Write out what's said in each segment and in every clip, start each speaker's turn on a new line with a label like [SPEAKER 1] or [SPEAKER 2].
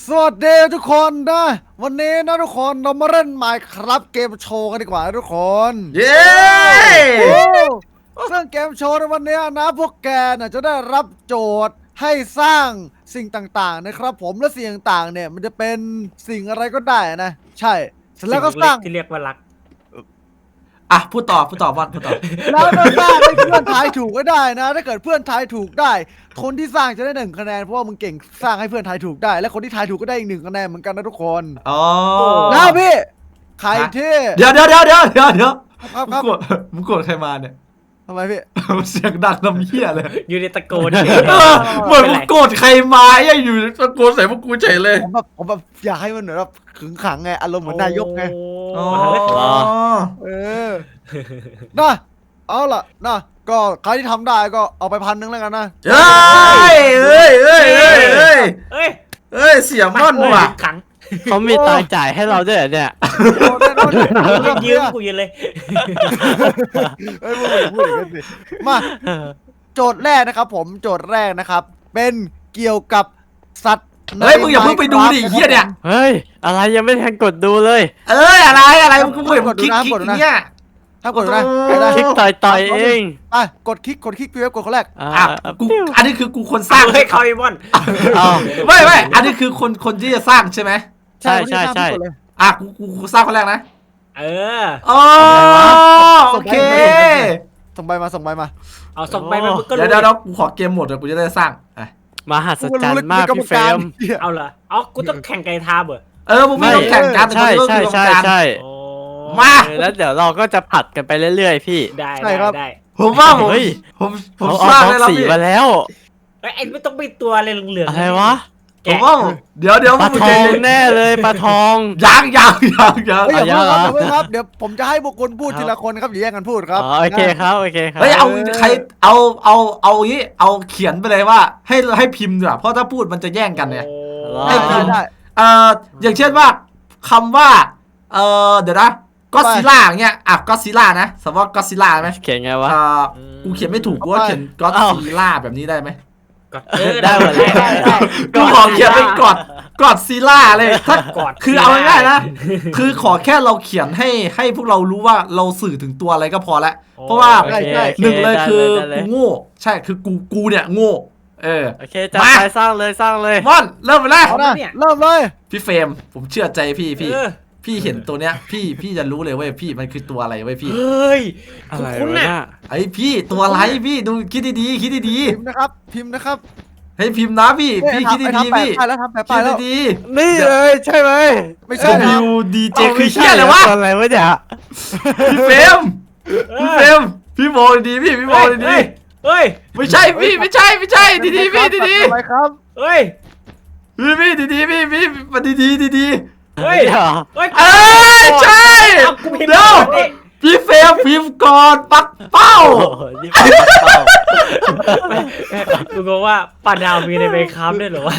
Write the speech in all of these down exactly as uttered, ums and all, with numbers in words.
[SPEAKER 1] สวัสดีทุกคนนะวันนี้นะทุกคนเรามาเล่น Minecraft เกมโชว์กันดีกว่าทุกคน
[SPEAKER 2] เย้
[SPEAKER 1] โอ้ซึ่งเกมโชว์ในวันนี้นะพวกแกน่ะจะได้รับโจทย์ให้สร้างสิ่งต่างๆนะครับผมและสิ่งต่างๆเนี่ยมันจะเป็นสิ่งอะไรก็ได้นะใช่เสร็จแล้วก็สร้าง
[SPEAKER 3] ที่เรียกว่ารัก
[SPEAKER 2] อ่ะพูดต่อพูดต่อบอลพูดต่อ
[SPEAKER 1] แล้วก็สร้างให้เพื่อนทายถูกก็ได้นะ ถ้าเกิดเพื่อนทายถูกได้ คนที่สร้างจะได้หนึ่งคะแนนเพราะว่ามึงเก่งสร้างให้เพื่อนทายถูกได้ และคนที่ทายถูกก็ได้อีกหนึ่งคะแนนเหมือนกันนะทุกคน
[SPEAKER 2] อ๋อ
[SPEAKER 1] นะพี่ใครที่
[SPEAKER 2] เดี๋ยวเดี๋ยวเดี๋ยวเดี๋ยวเดี๋ยวเดี๋ยว
[SPEAKER 1] ครับค
[SPEAKER 2] มึ
[SPEAKER 1] รั
[SPEAKER 2] ง
[SPEAKER 1] บ
[SPEAKER 2] กดมึงกดใครมาเนี่ย
[SPEAKER 1] ทำไมพี่
[SPEAKER 2] เสียงดังน้ำเหี้ยเลย
[SPEAKER 3] อยู่ในตะโกน
[SPEAKER 2] เออเหมือนมึงกดใครมาไอ้อยู่ตะโกนใส่พวกกูเฉยเลย
[SPEAKER 1] ผมแบบผมแบบอยากให้มันเหมือนแบบขึงขังไงอารมณ์เหมือนนายกไง
[SPEAKER 2] อ๋อ
[SPEAKER 1] เออนะเอาล่ะนะก็ใครที่ทำได้ก็เอาไปพันหนึ่งแล้วกันนะ
[SPEAKER 2] เฮ้ยเฮ้ยเฮ้ยเฮ้ยเฮ้ย
[SPEAKER 3] เอ้ย
[SPEAKER 2] เฮ้ยเสียม่อนว่ะ
[SPEAKER 3] ขัง
[SPEAKER 4] เขามีตังค์จ่ายให้เราด้วยเหรอเนี่ย
[SPEAKER 1] โอ้แน่นอน
[SPEAKER 3] ยืมกูยืนเลย
[SPEAKER 1] เอ้ยพูดพูดอย่างนั้นสิมา โจทย์แรกนะครับผมโจทย์แรกนะครับ เป็นเกี่ยวกับสัตว์ใน
[SPEAKER 2] เฮ้ยมึงอย่าเพิ่งไปดูดิเหี้ยเนี่ย
[SPEAKER 4] เฮ้ย อะไรยังไม่ทันกดดูเลย
[SPEAKER 2] เอ้ยอะไรอะไรมึงกูเห็นมึงคลิกคลิกอย่างเงี้ย
[SPEAKER 1] ถ้ากดดูนะ
[SPEAKER 2] โอ้
[SPEAKER 1] ไปได้
[SPEAKER 4] คลิกต่อยต่อยเอง
[SPEAKER 1] อ่ะกดคลิกกดคลิกพี่เว็บกดคนแรก
[SPEAKER 4] อ่า
[SPEAKER 2] อ่ะกูอันนี้คือกูคนสร้าง
[SPEAKER 3] เฮ้ยเขาไอ้บอล
[SPEAKER 4] เอา
[SPEAKER 2] ไม่ไม่อันนี้คือคนคนที่จะสร้างใช่ไหม
[SPEAKER 4] ใช่ใช่ใช่
[SPEAKER 1] กดเลย
[SPEAKER 2] อ่ะกูกูกูสร้างคนแรกนะ
[SPEAKER 3] เออ
[SPEAKER 2] อ๋อโอเค
[SPEAKER 1] ส่งใบมาส่งใบมา
[SPEAKER 3] เอาส่งไปมันก็
[SPEAKER 2] เดี๋ยวเดี๋ยวเดี๋ยวกูขอเกมหมดเดี๋ยวกูจะได้สร้างอ่ะ
[SPEAKER 4] มหัศจรรย์มากพี่เฟรม
[SPEAKER 3] เอาเหรอเอากูต้องแข่งไก่ทาเบอร์
[SPEAKER 2] เออมึงไม่ต้องแข่งกันแต่
[SPEAKER 4] ใช่
[SPEAKER 2] กู
[SPEAKER 4] ใช่
[SPEAKER 2] ต้อง
[SPEAKER 4] ใช่
[SPEAKER 2] แข่งกัน
[SPEAKER 4] ใช่
[SPEAKER 3] โอ้
[SPEAKER 2] มา
[SPEAKER 4] เออแล้วเดี๋ยวเราก็จะผัดกันไปเรื่อยๆพี่
[SPEAKER 3] ได้ได้ได้
[SPEAKER 2] ผมว่าผม
[SPEAKER 4] เฮ้ย
[SPEAKER 2] ผมผม
[SPEAKER 4] เขา
[SPEAKER 2] ส
[SPEAKER 4] เอา
[SPEAKER 2] ร้าง
[SPEAKER 4] บล็อก
[SPEAKER 2] ได้แล้ว
[SPEAKER 4] สี
[SPEAKER 2] พี่
[SPEAKER 4] มาแล้ว
[SPEAKER 3] เอ้ยไอ้ไม่ต้องไปตัวอะไรเหลืองๆ
[SPEAKER 4] อะไรวะ
[SPEAKER 2] ผมว่าเดี๋ยวเดี๋ยว
[SPEAKER 4] ปลา
[SPEAKER 2] มึง
[SPEAKER 4] ท
[SPEAKER 2] ใจ
[SPEAKER 4] อง
[SPEAKER 2] เย็น
[SPEAKER 4] แน่เลยปลาทอง
[SPEAKER 2] ยังยังยังยัง
[SPEAKER 1] เฮ้ยอย่า
[SPEAKER 4] เอา
[SPEAKER 1] เพิ่งครับอย่า
[SPEAKER 4] ยังเหรอ
[SPEAKER 1] เพิ่งครับเดี๋ยวผมจะให้บุคคลพูดทีละคนครับอย่าแย่งกันพูดครับ
[SPEAKER 4] อ๋อโอเคครับโอเคครับ
[SPEAKER 2] เฮ้ยเอาใครเอาเอาเอาอย่างงี้เอาเขียนไปเลยว่าให้ให้พิมพ์ดีกว่าเพราะถ้าพูดมันจะแย่งกันเนี่ย
[SPEAKER 1] ได้ได้ได้
[SPEAKER 2] เอ่ออย่างเช่นว่าคำว่าเอ่อเดี๋ยวนะก็ซิล่าเงี้ยอ่ะก็ซิล่านะสมมติว่าก็ซิล่าไหม
[SPEAKER 4] เขียนไงวะ
[SPEAKER 2] เอ่อกูเขียนไม่ถูกกูว่าเขียนก็
[SPEAKER 4] อ้าว
[SPEAKER 2] ซิล่าแบบนี้ได้ไหม
[SPEAKER 3] เออ
[SPEAKER 4] ได้หมดเลย
[SPEAKER 3] ได้ได้
[SPEAKER 2] กูขอเขียนเป็นกอดกอดซิล่าเลยถ้าก
[SPEAKER 3] อด
[SPEAKER 2] คือเอาง่ายๆนะ คือขอแค่เราเขียนให้ให้พวกเรารู้ว่าเราสื่อถึงตัวอะไรก็พอแล้วเพราะว่า
[SPEAKER 4] โอเคโอค
[SPEAKER 2] หนึ่งเลยคือ
[SPEAKER 4] ได้
[SPEAKER 2] กูโง่ใช่คือกูกูเนี่ยโง่เออ
[SPEAKER 4] โอเคจัดไปสร้างเลยสร้างเลย
[SPEAKER 2] มอนเริ่มไปแล้ว
[SPEAKER 1] เอานะเริ่มเลย
[SPEAKER 2] พี่เฟรมผมเชื่อใจพี่พี่
[SPEAKER 3] เออ
[SPEAKER 2] พี่เห็นตัวเนี้ยพี่พี่จะรู้เลยเว้ยพี่มันคือตัวอะไรเว้ยพี่
[SPEAKER 3] เฮ้ย
[SPEAKER 4] อะไร
[SPEAKER 3] คุณ
[SPEAKER 4] วะ
[SPEAKER 3] น่ะ
[SPEAKER 4] เนี่ย
[SPEAKER 2] ไอ้พี่ตัวอะไรพี่ดูคิดดีๆคิดดี
[SPEAKER 1] พิมพ์นะครับพิมพ์นะครับ
[SPEAKER 2] ๆให้พิมพ์นะพี่พี่คิด
[SPEAKER 1] ไอ้
[SPEAKER 2] ดี
[SPEAKER 1] ทำ
[SPEAKER 2] ๆ
[SPEAKER 1] แปะ
[SPEAKER 2] พี่
[SPEAKER 1] ป้ายแล้วทำแปะป้า
[SPEAKER 2] คิ
[SPEAKER 1] ยแล้ว
[SPEAKER 2] ดดี
[SPEAKER 4] นี่เลยใช่ไหม
[SPEAKER 1] ไม่
[SPEAKER 2] ๆ
[SPEAKER 1] ใช่นะ
[SPEAKER 2] W D J
[SPEAKER 4] า
[SPEAKER 2] คือ
[SPEAKER 4] ไม่
[SPEAKER 2] เชี่ยอะไรวะ
[SPEAKER 4] ตัวอะไรวะเนี่ย
[SPEAKER 2] พี่เฟรมพี่เฟรมพี่มองดีๆพี่พี่มองดี
[SPEAKER 3] เฮ้ยเฮ้ย
[SPEAKER 2] ๆไม่ใช่พี่ไม่ใช่ไม่ใช่ดีๆพี่ดี
[SPEAKER 1] ทำไมครับ
[SPEAKER 3] เฮ้ย
[SPEAKER 2] ๆพี่พี่ดีๆพี่พี่มาดีๆดี
[SPEAKER 3] เฮ้ย
[SPEAKER 4] เดี๋ยว
[SPEAKER 3] เฮ้ย
[SPEAKER 2] ๆเอ้ยใช่
[SPEAKER 3] เอากูพิมพ์
[SPEAKER 2] เดี๋ยว
[SPEAKER 3] ก่อนดิ
[SPEAKER 2] พี่เฟรมพิมพ์ก่อนปักเป้า
[SPEAKER 4] โอ้โหนี่เป็นเป้า
[SPEAKER 3] กูบอกว่าปลาดาวมีในเบคามด้วยเหรอวะ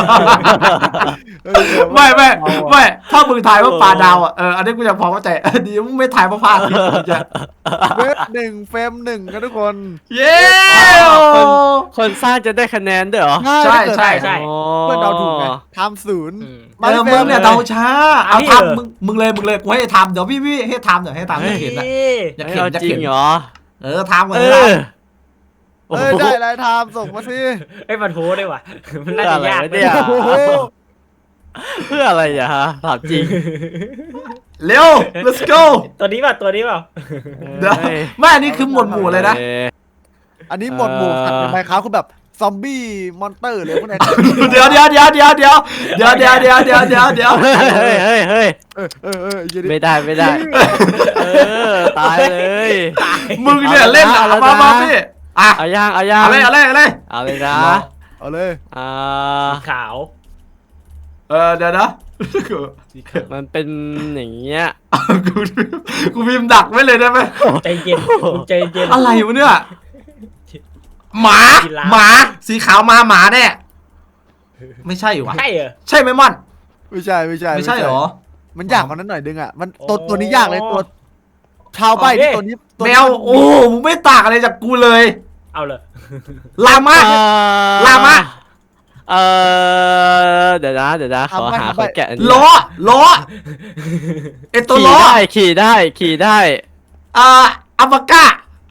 [SPEAKER 2] ไม่ไม่ไม่ถ้ามึงทายว่าปลาดาวอ่ะเอออันนี้กูจะพอเข้าใจเออดีมึงไม่ทายว่าพลาดทีจะ
[SPEAKER 1] เวฟหนึ่งเฟรมหนึ่งกันทุกคน
[SPEAKER 2] เย้
[SPEAKER 4] คนคนสร้างจะได้คะแนนด้วยเหรอ
[SPEAKER 2] ใช่ใช่
[SPEAKER 3] ใช่
[SPEAKER 4] อ๋อ
[SPEAKER 1] เพื่อนเราถูกไงทำศูนย์
[SPEAKER 3] อืม
[SPEAKER 2] เออมึงเนี่ยเดาช้าเอา
[SPEAKER 3] อันนี้เหรอ
[SPEAKER 2] ทำมึงมึงเลยมึงเลยกูให้ทำเดี๋ยวพี่พี่ให้ทำเดี๋ยวให้ทำอยากเห็นอะอยาก
[SPEAKER 4] เฮ้ย
[SPEAKER 2] เห็น
[SPEAKER 4] เอา
[SPEAKER 2] อยาก
[SPEAKER 4] จริ
[SPEAKER 2] เห็
[SPEAKER 4] ง
[SPEAKER 2] น
[SPEAKER 4] เหรอ
[SPEAKER 2] เออทำกัน
[SPEAKER 4] เอ
[SPEAKER 2] เลย
[SPEAKER 4] อโอ้
[SPEAKER 1] เอ้ย
[SPEAKER 4] โห
[SPEAKER 1] ได้อะไรทำส่งมาสิ
[SPEAKER 3] ไอ้ยมันโหได้ว่ะมันน่าจะยาก
[SPEAKER 4] อะไรวะเนี่ย
[SPEAKER 1] โอ้โห
[SPEAKER 4] เพื่ออะไรอ่ะฮะถามจริง
[SPEAKER 2] เร็ว let's go
[SPEAKER 3] ตัวนี้ป่ะตัวนี้ป่ะ
[SPEAKER 2] เดี๋ยวไม่อันนี้คือหมวดหมู่เลยนะ
[SPEAKER 1] อันนี้หมดหมู่ขัดในไมค์ครับคือแบบซอมบี้มอนเตอร์เลยพวกนี้
[SPEAKER 2] เดี๋ยวเดี๋ยวเดี๋ยวเดี๋ยวเดี๋ยวเดี๋ยวเดี๋ยวเดี๋ยวเดี๋ยวเดี๋ยวเดี๋ยว
[SPEAKER 4] เฮ้ยเฮ้ยเฮ้ย
[SPEAKER 1] เออเออเอออย่าดิ
[SPEAKER 4] ไม่ได้ไม่ได้ เออตายเลย
[SPEAKER 2] มึงเนี่ยเล่นอะ
[SPEAKER 4] เอาละนะ
[SPEAKER 2] มามาพี่อ่ะ
[SPEAKER 4] เอาย่างเอาย่าง
[SPEAKER 2] เอาเลยเอาเลยเอาเลย
[SPEAKER 4] เอาเลยนะ
[SPEAKER 1] เอาเลย
[SPEAKER 4] อ่า
[SPEAKER 3] ขาว
[SPEAKER 2] เออเดี๋ยวนะ
[SPEAKER 3] สีขาว
[SPEAKER 4] มันเป็นอย่างเงี้ย
[SPEAKER 2] กูกูพิมพ์ดักไว้เลยได้ไหม
[SPEAKER 3] ใจเย็นมึงใจเย็น
[SPEAKER 2] อะไรวะเนี่ยหมา
[SPEAKER 3] กีฬา
[SPEAKER 2] หมาสีขาวมาหมาแน่ไม่ใช่วะ
[SPEAKER 3] ใช่เหรอ
[SPEAKER 2] ใช่ไหมม่อน
[SPEAKER 1] ไม่ใช่ไม่ใช่
[SPEAKER 2] ไม่ใช่เหรอ
[SPEAKER 1] มันยากกว่านั้นหน่อยนึงอ่ะมันตัว
[SPEAKER 3] โอ้
[SPEAKER 1] ตัวนี้ยากเลยตัวชาวใบที่ตัวนี้ตัว
[SPEAKER 2] แม
[SPEAKER 1] นี้
[SPEAKER 2] วโอ้มึงไม่ต่างอะไรจากกูเลย
[SPEAKER 3] เอาเลย
[SPEAKER 2] ลามา
[SPEAKER 4] อ่
[SPEAKER 2] ลามา
[SPEAKER 4] เออเดี๋ยวนะเดี๋ยวนะขอหาคนแกะอันนี้
[SPEAKER 2] ล้อล้อไอตัว
[SPEAKER 4] ขี่
[SPEAKER 2] ล้อ
[SPEAKER 4] ได้ขี่ได้ขี่ได้
[SPEAKER 2] อ่าอัลปาก้า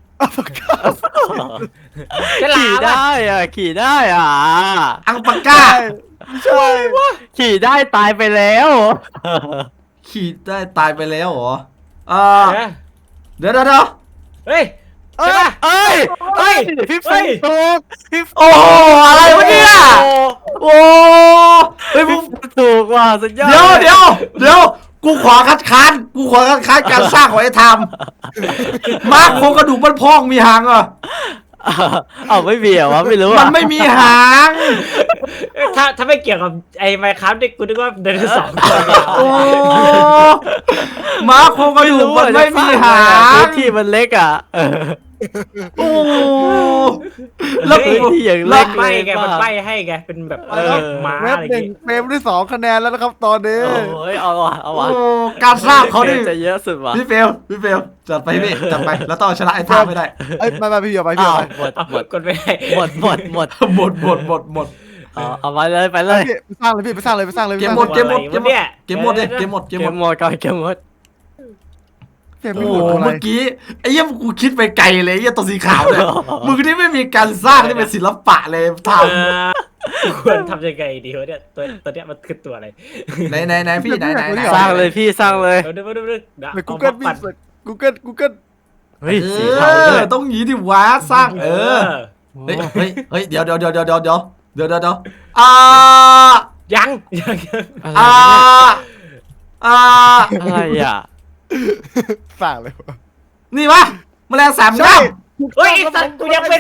[SPEAKER 3] ฉลา
[SPEAKER 4] ขี่
[SPEAKER 3] มอะ
[SPEAKER 4] ได้อ่ะขี่ได้อ่ะ
[SPEAKER 2] อัลปาก้า
[SPEAKER 1] ใช่
[SPEAKER 4] ขี่ได้ตายไปแล้ว
[SPEAKER 2] ขี่ได้ตายไปแล้วเหรออ่า
[SPEAKER 3] เออ
[SPEAKER 2] เดี๋ยวเดี๋ยวเดี๋ยว
[SPEAKER 3] เฮ้ย
[SPEAKER 4] เอ้ยเอ้ยเอ้ยพี่
[SPEAKER 3] เฮ้
[SPEAKER 4] ฟิ
[SPEAKER 3] ย
[SPEAKER 4] งถูกพี่
[SPEAKER 2] โอ้โหอะไรวะเนี่ยโอ้เฮ้ยมึง
[SPEAKER 4] ถูกว่ะสุดยอด
[SPEAKER 2] เดี๋ยวเดี๋ยวเดี๋ยวกูขอคัดค้านกูขอคัดค้านการสร้างของไอ้ทามมาร์คโครงกระดูกมันพองมีหางเหรอ
[SPEAKER 4] เอาไม่มีเหรอวะไม่รู้
[SPEAKER 2] มั
[SPEAKER 4] อ่ะ
[SPEAKER 2] นไม่มีหาง
[SPEAKER 3] เอ้ยถ้าถ้าไม่เกี่ยวกับไอ้ไมค์ครับนี่กูนึกว่าไดโนเสาร์ตัวยาว
[SPEAKER 2] โอ้มาร์คโครงกระดูกมันไม่มีหาง
[SPEAKER 4] พื้นที่มันเล็กอ่ะเออ
[SPEAKER 2] โอ้แล้วกู
[SPEAKER 4] พื้นที่อย่าง
[SPEAKER 2] แล้
[SPEAKER 4] เล็
[SPEAKER 2] ว
[SPEAKER 4] ก
[SPEAKER 3] ใบ
[SPEAKER 4] เลย
[SPEAKER 3] ไงมันใบให้ไงเป็นแบบ
[SPEAKER 4] เออ
[SPEAKER 3] ม้า
[SPEAKER 1] เว็บ
[SPEAKER 3] อะไร
[SPEAKER 1] หนึ่ง
[SPEAKER 3] เงี้ย
[SPEAKER 1] เฟรมที่สองคะแนนแล้วนะครับตอนนี้
[SPEAKER 4] โอ้ยเอาว่ะเอา
[SPEAKER 2] โอ้
[SPEAKER 4] ว่ะ
[SPEAKER 2] การสร้างเขาดิ
[SPEAKER 4] จะเยอะสุดว่ะ
[SPEAKER 2] พี่เฟลพี่เฟลจัดไปพี่จัดไปแล้วต้องเอาชนะไอ้ทามไม่ได้
[SPEAKER 1] เอ้ยไม่ไม่พี่เดียวไปพี่
[SPEAKER 4] อ้า
[SPEAKER 1] เดียว วไป
[SPEAKER 4] หมด
[SPEAKER 3] เอา
[SPEAKER 4] หมด
[SPEAKER 3] กดไม่ได้
[SPEAKER 4] หมดหมดหมด
[SPEAKER 2] หมดหมดหมดหมด
[SPEAKER 4] เอาเอาไปเลยไปเลย
[SPEAKER 1] พี่ไปสร้างเลยพี่ไปสร้างเลยไปสร้างเลย
[SPEAKER 2] เกม
[SPEAKER 1] ไป
[SPEAKER 2] หมด
[SPEAKER 1] ส
[SPEAKER 2] เก
[SPEAKER 1] ร้าง
[SPEAKER 2] มหมด
[SPEAKER 3] อะไรวะเนี่ย
[SPEAKER 2] เกมหมดเลยเกมหมดเกม
[SPEAKER 4] เก
[SPEAKER 2] หม
[SPEAKER 4] ม
[SPEAKER 2] ด
[SPEAKER 4] หมดก่อนเกมหมด
[SPEAKER 1] เกม
[SPEAKER 2] โอ้
[SPEAKER 1] ไม่หมดอะไร
[SPEAKER 2] เมื่อกี้ไอ้เหี้ยกูคิดไปไกลเลยไอ้เหี้ยตัวสีขาวเนี่ยมึงนี่ไม่มีการสร้างที่เป็นศิลปะเลยท
[SPEAKER 3] เออควรทำยังไงดีวะเนี่ยตัวตัวเนี้ยมันคือตัวอะไร
[SPEAKER 2] ำไหนไหนไหนพี่ไหนไหนไหน
[SPEAKER 4] สร้างเลยพี่สร้างเลย
[SPEAKER 3] เดี๋ยวเดี๋ยวเดี๋ยวเดี๋ยวเดี๋ยว
[SPEAKER 1] ไปกู
[SPEAKER 3] เอา
[SPEAKER 1] เกิล
[SPEAKER 3] มา
[SPEAKER 1] พี่
[SPEAKER 3] ปั่น
[SPEAKER 1] กูเกิลกูเกิล
[SPEAKER 4] เฮ้ย
[SPEAKER 2] เอ
[SPEAKER 4] สีเทาด้วย
[SPEAKER 2] อต้องหยีดิวะสร้างเออเฮ้ยเฮ้ยเฮ้ยเดี๋ยวเดี๋ยวเดี๋ยวเดี๋ยวเดี๋ยวเดี๋ยวเดี๋ยวเดี๋ยวเดี๋ยวอ่า
[SPEAKER 3] ยังยังยัง
[SPEAKER 4] อะไร
[SPEAKER 2] อ่า
[SPEAKER 4] เนี่ย
[SPEAKER 2] อ่า
[SPEAKER 4] อะไรอ่ะ
[SPEAKER 1] สร้างเลย
[SPEAKER 2] นี่ปะแมลงสาม
[SPEAKER 1] ใช่
[SPEAKER 2] ด้าม
[SPEAKER 3] เฮ้ยไอ้สัตว์กูยังเป็น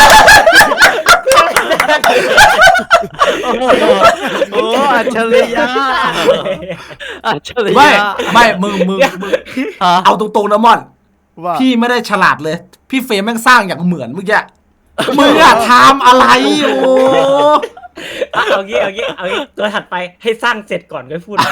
[SPEAKER 4] โอ้โหโอ้อัจฉริยะอัจฉริ
[SPEAKER 2] ไม่
[SPEAKER 4] ยะ
[SPEAKER 2] ไม่มึงมึงมึง
[SPEAKER 4] ฮะ
[SPEAKER 2] เอาตรงๆนะม่อน
[SPEAKER 1] ว่า
[SPEAKER 2] พี่ไม่ได้ฉลาดเลย พี่เฟรมแม่งสร้างอย่างเหมือนเมื่อกี้มึงอะทำอะไรโอ้
[SPEAKER 3] เอาเอางี้เอางี้เอางี้ตัวถัดไปให้สร้างเสร็จก่อนค่อยพูด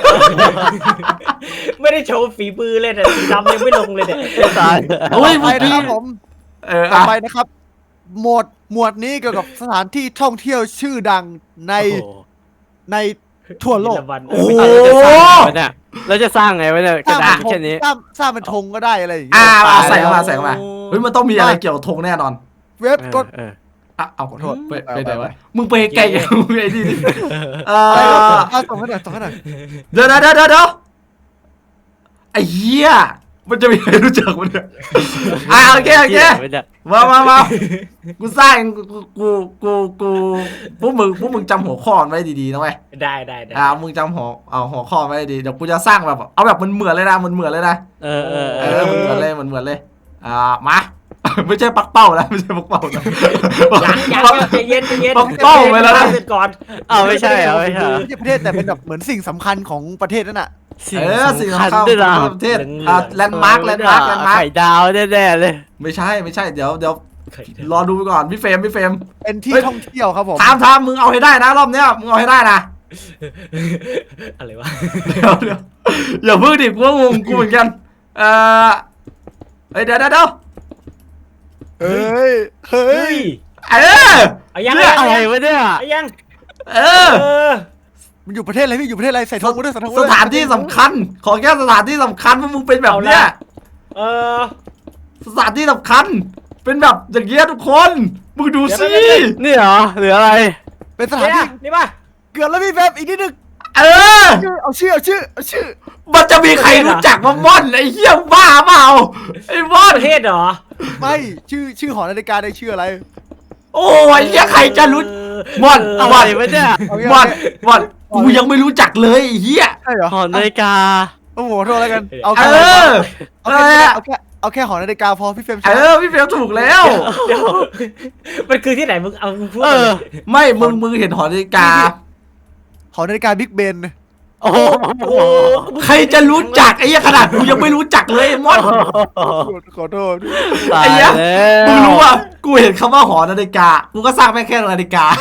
[SPEAKER 3] ไม่ได้โชว์ฝีมือเลยเนี่ยสีดำยังไม่ลงเลยเนี่ย
[SPEAKER 4] ตาย
[SPEAKER 2] โอ้ย
[SPEAKER 1] ไป
[SPEAKER 2] เมื่อ
[SPEAKER 1] นะ
[SPEAKER 2] กี้
[SPEAKER 1] ครับผม
[SPEAKER 2] เออ
[SPEAKER 1] ต่อ
[SPEAKER 2] อะ
[SPEAKER 1] ไปนะครับ หมวดหมวดนี้เกี่ยวกับสถานที่ท่องเที่ยวชื่อดังใน
[SPEAKER 4] โอ้โห
[SPEAKER 1] ในทั่วโลก
[SPEAKER 3] เยอรมัน
[SPEAKER 2] โอ้โห
[SPEAKER 4] เราจะสร้างไงวะเนี่ยเราจะสร้างไงวะเนี่ยก
[SPEAKER 1] ส
[SPEAKER 4] ระ
[SPEAKER 1] ร้าง
[SPEAKER 4] ดา
[SPEAKER 1] เป็นธง
[SPEAKER 4] ษแค่นี้
[SPEAKER 1] สร้างสร้างเป็นธงก็ได้อะไรอย่าง
[SPEAKER 2] อ่า
[SPEAKER 1] เงี้ย
[SPEAKER 2] เอาใส่เข้ามาใส่เข้ามาเฮ้ยมันต้องมีอะไรเกี่ยวกับธงแน่นอน
[SPEAKER 1] เว็บกด
[SPEAKER 4] เออ
[SPEAKER 2] อ่ะเอาขอโทษไปไปไหน
[SPEAKER 1] ไป
[SPEAKER 2] วะมึงไปไกลๆมึงไอ้นี่ดิเอ
[SPEAKER 1] อะไรครับ
[SPEAKER 2] อ
[SPEAKER 1] เอาส่งให้หน่อยส่งให้หน่อย
[SPEAKER 2] เดี๋ยวเดี๋ยวเดี๋ยวเดี๋ยวไอ้เหี้ยมันจะมีใครรู้จักมันเนี่ยอ่ะโอเคโอเค
[SPEAKER 4] เหี้ย
[SPEAKER 2] มามามากูสร้างกูกูกูกูพวกมึงพวกมึงจำหัวข้อไว้ดีๆนะเว้ย
[SPEAKER 3] ได้ได้ได้
[SPEAKER 2] อ่ามึงจำหัวเอาหัวข้อไว้ดีเดี๋ยวกูจะสร้างแบบเอาแบบมันเหมือนเลยนะมันเหมือนเลยนะ
[SPEAKER 4] เออเออ
[SPEAKER 2] เอ
[SPEAKER 4] เอ
[SPEAKER 2] อ
[SPEAKER 4] อ
[SPEAKER 2] มันเหมือนเลยมันเหมือนเลยอ่ามาไม่ใช่ปักเป้านะไม่ใช่ปักเป้านะ
[SPEAKER 3] ยังยังใจเย็นใจเย็น
[SPEAKER 2] ต้องเป้าไว้แล้วนะ
[SPEAKER 3] เสร็จก่อน
[SPEAKER 4] เอาไม่ใช่เอาไม่ใช่
[SPEAKER 1] ไม่ใช่ประเทศแต่เป็นแบบเหมือนสิ่งสำคัญของประเทศนั่นน่ะ
[SPEAKER 2] เออสิ่งสำคัญ
[SPEAKER 4] ด้วยนะ
[SPEAKER 2] ของประเทศอ่าแลนด์มาร์คแลนด์มาร์คแลนด์มาร์ค
[SPEAKER 4] ไข่ดาวแน่ๆเลย
[SPEAKER 2] ไม่ใช่ไม่ใช่เดี๋ยวเดี๋ยวรอดูไปก่อนพี่เฟรมพี่เฟรม
[SPEAKER 1] เป็นที่
[SPEAKER 2] เฮ้ย
[SPEAKER 1] ท่องเที่ยวครับผม
[SPEAKER 2] ถามถามมึงเอาให้ได้นะรอบเนี้ยมึงเอาให้ได้นะ
[SPEAKER 3] อะไรวะ
[SPEAKER 2] เดี๋ยวเดี๋ยวอย่าเพิ่งดิกูว่างงกูเหมือนกันเออเฮ้ยเดี๋ยวเดี๋ยวเดี๋ยว
[SPEAKER 1] เฮ้ยเฮ้
[SPEAKER 3] เฮ้
[SPEAKER 1] ย
[SPEAKER 3] ย
[SPEAKER 2] เออ
[SPEAKER 3] เอายัง
[SPEAKER 2] เนี่ย
[SPEAKER 4] อะไรวะเนี่ย
[SPEAKER 3] เอายัง
[SPEAKER 2] เออ
[SPEAKER 3] เออ
[SPEAKER 1] มันอยู่ประเทศอะไรพี่อยู่ประเทศอะไรใส่ธงมาด้วยใส่ธงมา
[SPEAKER 2] ส
[SPEAKER 1] ด้วย
[SPEAKER 2] ถานที่สำคัญ ขอแค่สถานที่สำคัญว่ามึงเป็นแบบเนี้ย
[SPEAKER 3] เออ
[SPEAKER 2] สถานที่สำคัญ เป็นแบบอย่างเงี้ยทุกคน มึงดูสิ
[SPEAKER 4] นี่เหรอหรืออะไร
[SPEAKER 1] เป็นสถาน
[SPEAKER 3] เนี่ย
[SPEAKER 1] ที่
[SPEAKER 3] นี่ป่ะ
[SPEAKER 1] เกือบแล้วพี่แฟบอีกนิดนึง
[SPEAKER 2] เออ
[SPEAKER 1] ชื่อเอาชื่อเอาชื่อเอาชื่อ
[SPEAKER 2] มันจะมีใครรู้จักว่าม่อนไอ้เหี้ยบ้าเปล่าไอ้ม่อน
[SPEAKER 3] ประเทศเหรอ
[SPEAKER 1] ไม่ชื่อชื่อหอนาฬิกาได้ชื่ออะไร
[SPEAKER 2] โอ้ยไอ้เหี้ยใครจะรู้ม่อน
[SPEAKER 3] เ
[SPEAKER 4] อะไรวะเนี่ย
[SPEAKER 1] เอางี้
[SPEAKER 2] ม่อน
[SPEAKER 1] เอางี้
[SPEAKER 2] ม่อนกูยังไม่รู้จักเลยไอ้เหี้ย
[SPEAKER 1] ใช่เหรอ
[SPEAKER 4] หอนาฬิกา
[SPEAKER 1] โอ้โหโทษแล้วกันเอา
[SPEAKER 2] เอ
[SPEAKER 1] แค่
[SPEAKER 2] อ
[SPEAKER 1] เอา
[SPEAKER 2] เอ
[SPEAKER 1] แค่
[SPEAKER 2] อ
[SPEAKER 1] เอาแค่เอาแค่หอนาฬิกาพอพี่เฟรม
[SPEAKER 2] เออพี่เฟลถูกแล้ว
[SPEAKER 3] เดี๋ยวมันคือที่ไหนมึงเอามึงพูด
[SPEAKER 4] เอ
[SPEAKER 3] มาเล
[SPEAKER 4] อ
[SPEAKER 3] ย
[SPEAKER 2] ไม่มึงมึงเห็นหอนาฬิกา
[SPEAKER 1] หอนาฬิกาบิ๊กเบน
[SPEAKER 4] โอ้โห
[SPEAKER 3] โอ้
[SPEAKER 2] ใครจะรู้จักไอ้เหี้ยขนาดกูยังไม่รู้จักเลยไอ้ม่อน
[SPEAKER 1] ขอโทษ
[SPEAKER 4] ตาย
[SPEAKER 2] ไอ้เหี้ย
[SPEAKER 4] แล้ว
[SPEAKER 2] มึงรู้ว่ากูเห็นคำว่าหอนาฬิกา กูก็สร้างแม่งแค่นาฬิกา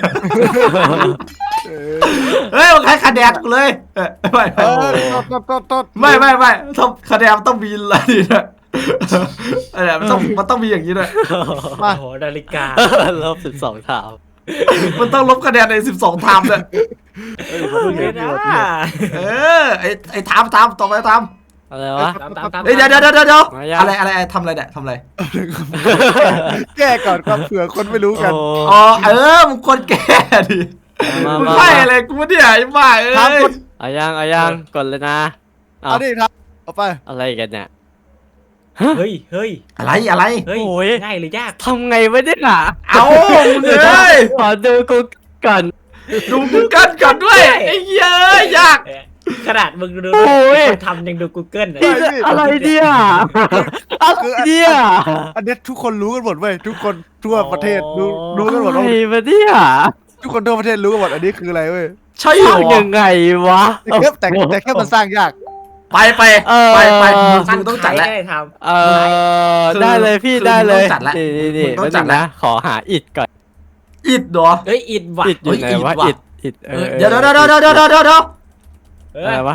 [SPEAKER 1] เออ
[SPEAKER 2] เฮ้ยมันใครคะแนนกูเลยเอ้ยไม่
[SPEAKER 1] เอ
[SPEAKER 2] ไม่
[SPEAKER 1] อโทษโทษโทษ
[SPEAKER 2] ไม่ไม่ไม่ต้องคะแนนมันต้องมีอะไรด้วยอะไรมันต้องมันต้องมีอย่างนี้ด้วย
[SPEAKER 3] โอ้โหนาฬิกา
[SPEAKER 4] ลบสิบสองถาม
[SPEAKER 2] มันต้องลบคะแนนในสิบสองไทม์เลย
[SPEAKER 3] มึงเลยนะ
[SPEAKER 2] เออไอไอไทม์ไทม์ต่อไปไทม์
[SPEAKER 4] อะไรวะ
[SPEAKER 3] ตามตามตาม
[SPEAKER 2] เฮ้ยเดี๋ยวเดี๋ยวเดี๋ยวเดี๋ยว
[SPEAKER 4] มายัง
[SPEAKER 2] อะไรอะไรอะไรทำอะไรเนี่ยทำอะไร
[SPEAKER 1] แก้ก่อนครับเผื่อคนไม่รู้กัน
[SPEAKER 4] โอ้
[SPEAKER 2] อ๋อเออมึงคนแก่ดิ
[SPEAKER 4] มา
[SPEAKER 2] มึง
[SPEAKER 4] มา
[SPEAKER 2] ไพ่อะไรกูเนี่ยไอ้บ้าเอ้
[SPEAKER 1] ครับ
[SPEAKER 2] ย
[SPEAKER 1] กด
[SPEAKER 4] เอายังเอายังกดเลยนะเอา
[SPEAKER 1] เอาดิครับเอาไป
[SPEAKER 4] อะไรกันเนี่ย
[SPEAKER 3] เฮ้ยเฮ้ย
[SPEAKER 2] อะไรอะไร
[SPEAKER 3] เฮ้ย
[SPEAKER 4] โอ้ย
[SPEAKER 3] ง่ายหรือยาก
[SPEAKER 4] ทำไงวะเนี่ยน่ะ
[SPEAKER 2] เอามึงเอ้ย
[SPEAKER 4] ขอดูกูก่อน
[SPEAKER 2] ดูกูกันก่อนด้วยไอ้เหี้ยเอ้ยยาก
[SPEAKER 3] เอ๊ะขนาดมึงดู
[SPEAKER 4] โอ้ย
[SPEAKER 3] คนทำยังดู Google เลย
[SPEAKER 4] นี่อะไรเนี่ยอะไรเนี่ย
[SPEAKER 1] อันเนี้ยทุกคนรู้กันหมดเว้ยทุกคนทั่วประเทศรู้รู้กันหมด
[SPEAKER 4] อะไร
[SPEAKER 1] ว่า
[SPEAKER 4] วะเนี่ย
[SPEAKER 1] ทุกคนทั่วประเทศรู้กันหมดอันนี้คืออะไรเว้ย
[SPEAKER 2] ใช่เหร
[SPEAKER 4] สร้าง
[SPEAKER 2] อ
[SPEAKER 4] ยังไงวะ
[SPEAKER 1] แต่แค่แต่แต่แค่มันสร้างยาก
[SPEAKER 2] ไปไป
[SPEAKER 4] เออ
[SPEAKER 2] ไปไปมึงมึงต้องจัดแล้ว
[SPEAKER 3] ใครได้ท
[SPEAKER 4] เออ
[SPEAKER 2] คือ
[SPEAKER 4] ได้เลยพี่
[SPEAKER 2] คือ
[SPEAKER 4] ได้เลย
[SPEAKER 2] มึงต้องจัดละ
[SPEAKER 4] นี่นี่นี่
[SPEAKER 2] มึงต้องจัด
[SPEAKER 4] แป๊บนึ
[SPEAKER 2] ละ
[SPEAKER 4] นะขอหาอิดก่อน
[SPEAKER 2] อิดเหรอ
[SPEAKER 3] ำเฮ้ยอิดว่ะ
[SPEAKER 4] อิดอยู่ไหน
[SPEAKER 2] เฮ้ยว
[SPEAKER 4] ะ
[SPEAKER 2] อิ
[SPEAKER 4] อิ
[SPEAKER 2] ด
[SPEAKER 4] ด
[SPEAKER 2] ว่ะ
[SPEAKER 4] อิดเออ
[SPEAKER 2] เดี๋ยวเดี๋ยวเดี๋ยวเดี๋ยวเดี๋ยวเดี๋ยวเดี๋ยว
[SPEAKER 3] เอ
[SPEAKER 4] อะไร
[SPEAKER 3] อ
[SPEAKER 4] วะ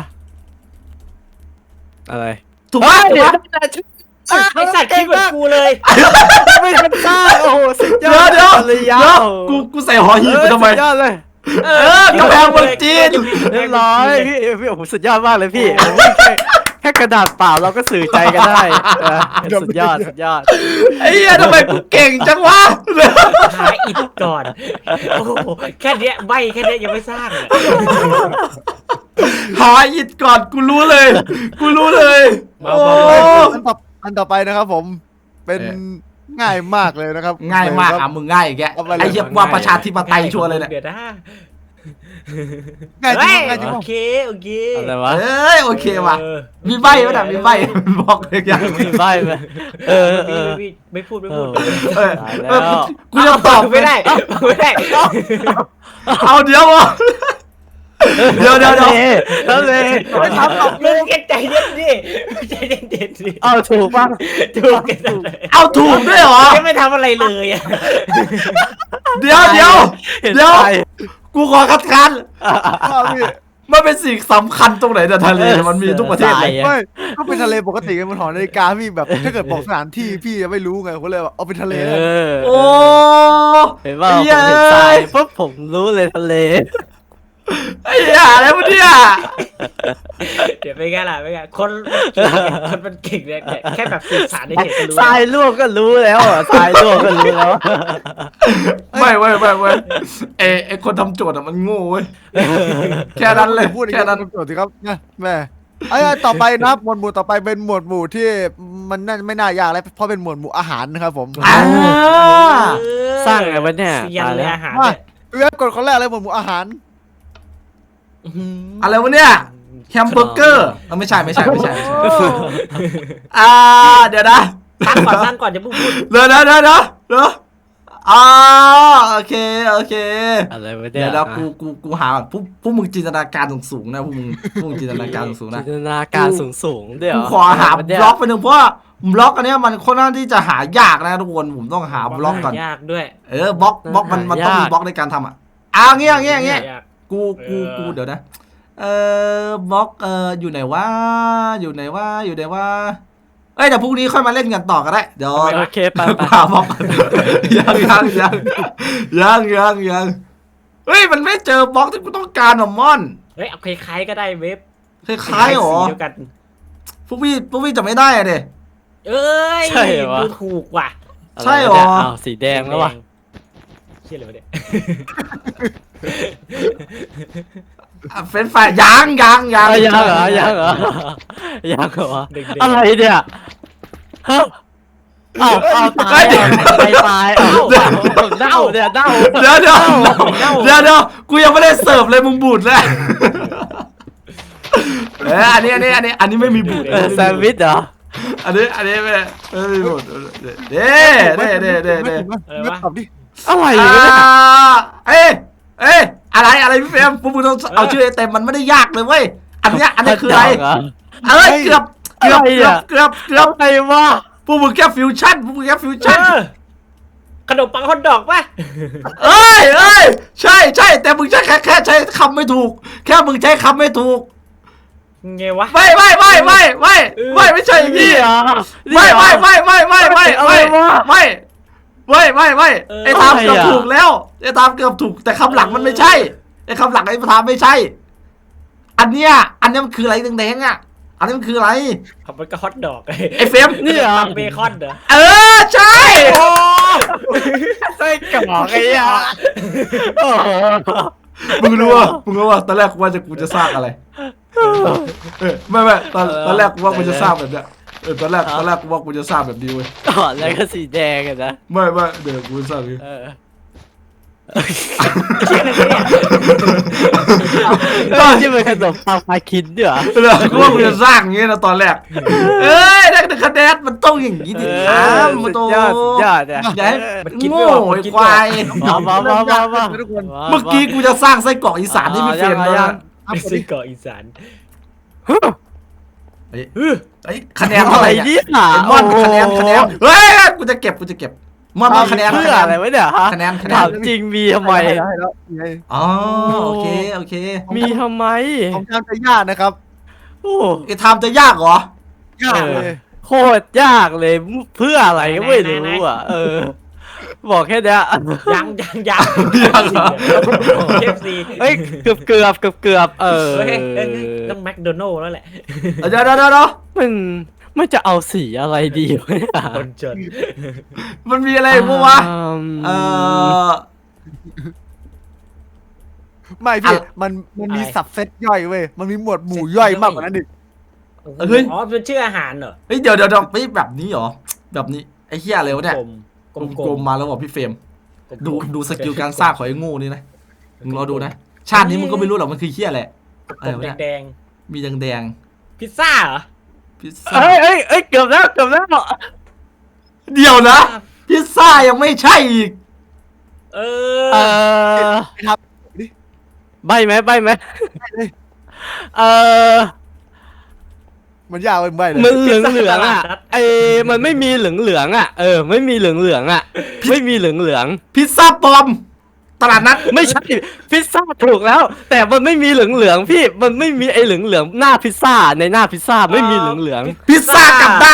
[SPEAKER 4] อะไร
[SPEAKER 2] ถูกปะถูกปะ
[SPEAKER 3] ไอสัตว์คิดเหมือนกูเลย
[SPEAKER 4] ไม่ทันสร้างโอ้โหสุดย
[SPEAKER 2] เดี๋
[SPEAKER 4] อ
[SPEAKER 2] ยว
[SPEAKER 4] ด
[SPEAKER 2] เดี๋ยว
[SPEAKER 4] เลย
[SPEAKER 2] เดี๋
[SPEAKER 4] ยา
[SPEAKER 2] ยว
[SPEAKER 4] ว
[SPEAKER 2] กูกูใส่หอหีบไปทำไม
[SPEAKER 4] สุดยอดเลย
[SPEAKER 3] เอ
[SPEAKER 2] เออกำแพงเมืองจีน
[SPEAKER 4] เรียบร้อยพี่พี่โอ้โหสุดยอดมากเลยพี่โอ้โหแค่แค่กระดาษเปล่าเราก็สื่อใจกันได้เออสุดยอดสุดยอด
[SPEAKER 2] ไอ้เหี้ยทำไมกูเก่งจังวะ
[SPEAKER 3] หาอิดก่อนโอ้โหแค่เนี้ยใบแค่เนี้ยยังไม่สร้างเลย
[SPEAKER 2] หาอิดก่อนกูรู้เลย กูรู้เลย
[SPEAKER 3] มา
[SPEAKER 2] โอ้
[SPEAKER 1] อันต่ออันต่อไปนะครับผมเป็น
[SPEAKER 2] เออ
[SPEAKER 1] ง่ายมากเลยนะครับ
[SPEAKER 2] ง่ายมาก
[SPEAKER 1] ค
[SPEAKER 2] อ่ะ
[SPEAKER 1] รับ
[SPEAKER 2] มึงง่ายอีกแก
[SPEAKER 1] เอาไปเลย
[SPEAKER 2] ไอ้เหี้ยว่าประชาธิปไตยชัวร์เลยเนี่ย
[SPEAKER 3] เดี๋ยวนะ
[SPEAKER 1] ง่ายจริ
[SPEAKER 3] เฮ้
[SPEAKER 1] ง
[SPEAKER 3] ย
[SPEAKER 1] ง่ายจริง
[SPEAKER 3] โอเคโอเค
[SPEAKER 4] อะไรวะ
[SPEAKER 2] เอ้ยโอเคว่ะ
[SPEAKER 3] เออ
[SPEAKER 2] มีใบไหมน่ะมีใบบอกเลยยัง
[SPEAKER 4] มีใบไหมเออเออ
[SPEAKER 3] ไม่ไม่พูดไม่พูด
[SPEAKER 2] เออ
[SPEAKER 4] ตาย
[SPEAKER 2] เอ
[SPEAKER 4] แล้
[SPEAKER 2] อ
[SPEAKER 4] ว
[SPEAKER 2] กูจะตอบ
[SPEAKER 3] ไม่ได้ไม่ได้
[SPEAKER 2] เอาเดี๋ยวอ่ะเดี๋ยวเดี๋ยวเดี๋ยว
[SPEAKER 4] แล้วเลย
[SPEAKER 1] ไม่ทำหรอก
[SPEAKER 3] มึงแค่ใจเย็นดิใจเย็นดิ
[SPEAKER 4] เอาถูกป่ะ
[SPEAKER 3] ถูกกันเลย
[SPEAKER 2] เอาถูกด้วยเหรอ
[SPEAKER 3] ยังไม่ทำอะไรเลยอ่ะ
[SPEAKER 2] เดี๋ยวเดี๋ยว
[SPEAKER 4] เห็น
[SPEAKER 2] เดี๋ยว
[SPEAKER 4] ใจ
[SPEAKER 2] กูขอคัดค้าน
[SPEAKER 1] เอาพี่
[SPEAKER 2] มันเป็นสิ่งสำคัญตรงไหนแต่ทะเลเนี่ยมันมีทุกประเทศเลย
[SPEAKER 1] ไม่ก็เป็นทะเลปกติกันบนหอนาฬิกาพี่แบบถ้าเกิดบอกสถานที่พี่ยังไม่รู้ไงผมเลยว่าเอาเป็นทะเล
[SPEAKER 4] เอ
[SPEAKER 1] แล้ว
[SPEAKER 4] อ
[SPEAKER 2] โอ้
[SPEAKER 4] เห็นว่าผมเห็นทรายปุ๊บผมรู้เลยทะเล
[SPEAKER 2] ไอ้เหี้ยอะไรวะเนี่ย
[SPEAKER 3] เดี๋ยวไปไงล่ะไปไงคนคนมันเก่งเนี่ยแค่แบบสื่อสารในเฉยก็รู้
[SPEAKER 4] ทรายลวกก็รู้แล้วอ่ะทรายลวกก็รู้แล้ว
[SPEAKER 2] ไม่เว้ยไม่เว้ยไอ้ไอ้คนทำโจทย์อะมันโง่เว้ยแค่นั้นเลย
[SPEAKER 1] พูดอย่าง
[SPEAKER 2] แค่
[SPEAKER 1] นี้
[SPEAKER 2] นั้น
[SPEAKER 1] เป็นโจทย์สิครับนะแม่ไอ้ต่อไปนะครับหมวดหมู่ต่อไปเป็นหมวดหมู่ที่มันน่าไม่น่ายากแล้วเพราะเป็นหมวดหมู่อาหารนะครับผม
[SPEAKER 2] อ่า
[SPEAKER 4] สร้างไงวะเนี่ย
[SPEAKER 3] เซียนเลยอาหาร
[SPEAKER 1] มา
[SPEAKER 3] เนี่ย
[SPEAKER 1] พี่เวฟกดคนแรกเลยหมวดหมู่อาหาร
[SPEAKER 2] อะไรวะเนี่ยแฮมเบอร์เกอร์เออไม่ใช่ไม่ใช่ไม่ใช่ไม่ใช่
[SPEAKER 3] โอ้
[SPEAKER 2] อ่าเดี๋ยวนะ
[SPEAKER 3] ตั้งก่อนตั้งก่อนจะพูดพูด
[SPEAKER 2] เดี๋ยวเดี๋ยวเดี๋ยวเดี๋ยวเดี๋ยวอ่าโอเคโอเค
[SPEAKER 4] อะไรวะเนี่
[SPEAKER 2] เดี๋
[SPEAKER 4] ย
[SPEAKER 2] ยวเดี๋ยวกูกูกูหาก่อนพวกพวกมึงจินตนาการสูงๆนะพวกมึงพวกมึงจินตนาการสูงๆ
[SPEAKER 4] จิ
[SPEAKER 2] นะ
[SPEAKER 4] นตนาการสูงสูงๆเดี๋ยว
[SPEAKER 2] กูขอหาบล็อกไปหนึ่งเพราะว่าบล็อกอันเนี้ยมันค่อนข้างที่จะหายากนะทุกคนผมต้องหาบล็อกก่อน
[SPEAKER 3] ยากด้วย
[SPEAKER 2] เออบล็อกบล็อกมันมันต้องมีบล็อกในการทำอ่ะอ่าเงี้ยเงี้ยเงี้ย
[SPEAKER 3] ยาก
[SPEAKER 2] กูกูกูเดี๋ยวนะเออบล็อกเอออยู่ไหนวะอยู่ไหนวะอยู่ไหนวะเอ้ยเดี๋ยวพรุ่งนี้ค่อยมาเล่นกันต่อก็ได้เดี๋ยว
[SPEAKER 4] โอเคไป
[SPEAKER 2] กู
[SPEAKER 4] ไป
[SPEAKER 2] หาบล็อกก่อนยังยังยังยังยังยังเฮ้ยมันไม่เจอบล็อกที่กูต้องการหรอมอน
[SPEAKER 3] เฮ้ยเอาคล้ายๆก็ได้เว็บ
[SPEAKER 2] คล้ายๆหรอ
[SPEAKER 3] สีเดียวกัน
[SPEAKER 2] พวกพี่พวกพี่จะไม่ได้อะเด้
[SPEAKER 3] เอ้ย
[SPEAKER 4] ใช่เหรอวะ
[SPEAKER 3] ดูถูกว่ะ
[SPEAKER 2] ใช่เหรอ
[SPEAKER 4] อ้าวสีแดงแล้ววะ
[SPEAKER 3] เชี่ยเลยวะเนี่ย
[SPEAKER 2] อ่ะเฟรนช์ฟรายยังยังยัง
[SPEAKER 4] อ่ะยังเหรอยังเหรอยังเหรอ
[SPEAKER 3] เด็กๆ
[SPEAKER 4] อะไรเนี่ยเฮ้ยอ้าวอ้าวตายอ่ะตายตายอ้าวเน่าเนี่ยเน่า
[SPEAKER 2] เดี๋ยวเดี๋ยวเดี๋ยวเดี๋ยวกูยังไม่ได้เสิร์ฟเลยมึงบูดเลยเอออันนี้อันนี้อันนี้อันนี้ไม่มีบูด
[SPEAKER 4] เออแซนด์วิชเหรอ
[SPEAKER 2] อันนี้อันนี้ไม่ไม่มีบูดเด้เด้เด้เด้เด้
[SPEAKER 1] เวฟตอบดิ
[SPEAKER 4] อะไร
[SPEAKER 2] อ่าว
[SPEAKER 4] ะเนี่ย
[SPEAKER 2] เอ้ยเอ้ยอะไรอะไรพี่เฟรมพวกมึงต้องเอาชื่อเต็มมันไม่ได้ยากเลยเว้ยอันเนี้ยอันนี้คืออะไร
[SPEAKER 4] เหรอ
[SPEAKER 2] เอ้ยเกือบเกือบเกือบเกือบเกือบ
[SPEAKER 4] อะไรวะ
[SPEAKER 2] พวกมึงแค่ฟิวชั่นพวกมึงแค่ฟิวชั่น
[SPEAKER 3] เออขนมปังฮอทดอกป่ะ
[SPEAKER 2] เอ้ยเอ้ยใช่ใช่แต่มึงใช้แค่แค่ใช้คำไม่ถูก แค่มึงใช้คำไม่ถูก
[SPEAKER 3] ไงวะ
[SPEAKER 2] ไม่ไม่ไม่ไม่ไม่ไม่ไม่ใช่อย่างนี้
[SPEAKER 4] เหรอ
[SPEAKER 2] ไม่ไม่ไม่ไม่ไม่ไม่ไม่ไม่ไม่ไม่ไม่ไม่
[SPEAKER 3] เออ
[SPEAKER 2] ไอ้ทามเกือบถูกแล้วไอ้ทามเกือบถูกแต่คำหลังมันไม่ใช่ไอ้คำหลังไอ้ทามไม่ใช่ อันเนี้ยอันเนี้ยมันคืออะไรแดงๆอ่ะอันนี้มันคืออะไร
[SPEAKER 3] เขามันก็ฮอตดอก
[SPEAKER 2] ไอ้เฟรม
[SPEAKER 4] นี่เหรอ
[SPEAKER 3] เบคอนเหรอ
[SPEAKER 2] เออใช่
[SPEAKER 4] ไส้กรอกไอ้ยาโอ้โห
[SPEAKER 2] มึงรู้ว่ามึงรู้ว่าตอนแรกกูว่าจะกูจะสร้างอะไรเออไม่ไม่ตอนตอนแรกกูว่ากูจะสร้างแบบเนี้ยเออตอนแรกตอนแรกกูว่ากูจะสร้างแบบนี้เว้ย
[SPEAKER 4] ก่อนแล้วก็สีแดงกันนะ
[SPEAKER 2] ไม่ไม่เดี๋ยวกูสร้างนี้
[SPEAKER 4] เออ
[SPEAKER 3] เชี่ยอะไรเนี่ย
[SPEAKER 4] ก็ที่มันขนมปังปลาคิดด้วยเหรอ
[SPEAKER 2] เออกูว่ากูจะสร้างอย่างงี้นะตอนแรกเอ้ยได้แต่คะแนนมันต้องอย่างนี้ดิ
[SPEAKER 4] เอ
[SPEAKER 2] ครั
[SPEAKER 4] อบ สุ
[SPEAKER 2] มัน
[SPEAKER 4] ด
[SPEAKER 2] โต
[SPEAKER 4] ยอดสุดยอดเนี่ย
[SPEAKER 2] อย่าให้
[SPEAKER 3] มันคิด
[SPEAKER 2] โง่
[SPEAKER 3] ไม่ออกมัน
[SPEAKER 2] ไอ้
[SPEAKER 3] คิด
[SPEAKER 2] ควาย
[SPEAKER 4] มามามามามา
[SPEAKER 1] ทุกคน
[SPEAKER 2] เมื่อกี้กูจะสร้างไส้กรอกอีสานที่พี่เฟรม
[SPEAKER 4] อ๋อ
[SPEAKER 2] แล้ว
[SPEAKER 4] ยัง
[SPEAKER 2] นะ
[SPEAKER 1] ครับ
[SPEAKER 3] ไปซื้อเกาะอีสาน
[SPEAKER 2] เฮ้ย
[SPEAKER 3] เออ
[SPEAKER 2] เฮ้ยคะแนน
[SPEAKER 4] อะ
[SPEAKER 2] เท่าไห
[SPEAKER 4] ไร
[SPEAKER 2] ร่เนี่ย
[SPEAKER 4] เนี่ย
[SPEAKER 2] ไอ้มอนคะแนนคะแนนเฮ้ยกูจะเก็บกูจะเก็บมอนมอนคะแนน
[SPEAKER 4] เพื่
[SPEAKER 2] คะ
[SPEAKER 4] อ
[SPEAKER 2] แน
[SPEAKER 4] อะไร
[SPEAKER 2] น
[SPEAKER 4] วะเนี่ยฮะ
[SPEAKER 2] คะแนนคะแน
[SPEAKER 4] ถาน มจริงมีทำไม
[SPEAKER 1] ให้แล้วให้แล้วไง
[SPEAKER 2] อ๋อโอเคโอเค
[SPEAKER 4] มีทำไม
[SPEAKER 1] ผมทำจะยากนะครับ
[SPEAKER 4] โอ้
[SPEAKER 2] ไอ้ทำจะยากเหรอ
[SPEAKER 1] ยากเลย
[SPEAKER 4] โคตรยากเลยเพื่ออะไรก็ไม่รู้อ่ะ เออ บอกแค่เนี้ย
[SPEAKER 3] ยังยังยังเคฟซี
[SPEAKER 4] เฮ้ยเกือบเกือบเกือบเกือบเออ
[SPEAKER 3] เฮ้ยเฮ้ยต้องแมคโดนัลล์แล้วแหละ
[SPEAKER 2] เดี๋ยวเดี๋ยวเดี๋ยวเดี๋ยว
[SPEAKER 4] มันมันจะเอาสีอะไรดีวะเนี่ย
[SPEAKER 3] คนจน
[SPEAKER 2] มันมีอะไรบ้างวะ
[SPEAKER 4] อืม
[SPEAKER 2] เออ
[SPEAKER 1] ไม่พี่
[SPEAKER 2] อะ
[SPEAKER 1] มันมันมีสับเซตย่อยเว้ยมันมีหมวดหมู่ย่อยมากกว่านั้นดิ
[SPEAKER 2] เฮ้ย
[SPEAKER 3] อ๋อเป็นชื่ออาหารเหรอ
[SPEAKER 2] เฮ้ยเดี๋ยวเดี๋ยวเดี๋ยวเฮ้ยแบบนี้เหรอแบบนี้ไอ้เหี้ยอะไรวะเนี่ย
[SPEAKER 3] กลม
[SPEAKER 2] กลมๆมาแล้วบอกพี่เฟรม
[SPEAKER 3] ๆ
[SPEAKER 2] ดูดูสกิลการสร้างของไอ้โงูนี่นะมึงรอดูนะชาตินี้มึงก็ไม่รู้หรอกมันคือเหี้ยอะไรอะไร
[SPEAKER 3] กลม
[SPEAKER 2] วะเนี่ย
[SPEAKER 3] แดง
[SPEAKER 2] มีแดงแดง
[SPEAKER 3] ๆพิซซ่าเหรอ
[SPEAKER 2] ๆพิซซ่า
[SPEAKER 4] เอ้ยเอ้ยเอ้ยเกือบแล้วเกือบแล้ว
[SPEAKER 2] เดี๋ยวนะพิซซ่ายังไม่ใช่อีก
[SPEAKER 3] เอ
[SPEAKER 4] เอ
[SPEAKER 3] อ
[SPEAKER 4] อ
[SPEAKER 1] ครับ
[SPEAKER 4] ใบไหมใบไหมเออ
[SPEAKER 1] มันยากเป็นใบเลย
[SPEAKER 4] มันเหลืองเหลืองอ่ะไอ้มันไม่มีเหลืองเหลืองอ่ะเออไม่มีเหลืองเหลืองอ่ะไม่มีเหลืองเหลือง
[SPEAKER 2] พิซซ่าปลอมตลาดนัด
[SPEAKER 4] ไม่ใช่พิซซ่าถูกแล้ว แต่มันไม่มีเหลืองเหลืองพี่มันไม่มีไอ้เหลืองเหลืองหน้าพิซซ่าในหน้าพิซซ่าไม่มีเหลืองเหลือง
[SPEAKER 2] พิซซ่ากลับด้าน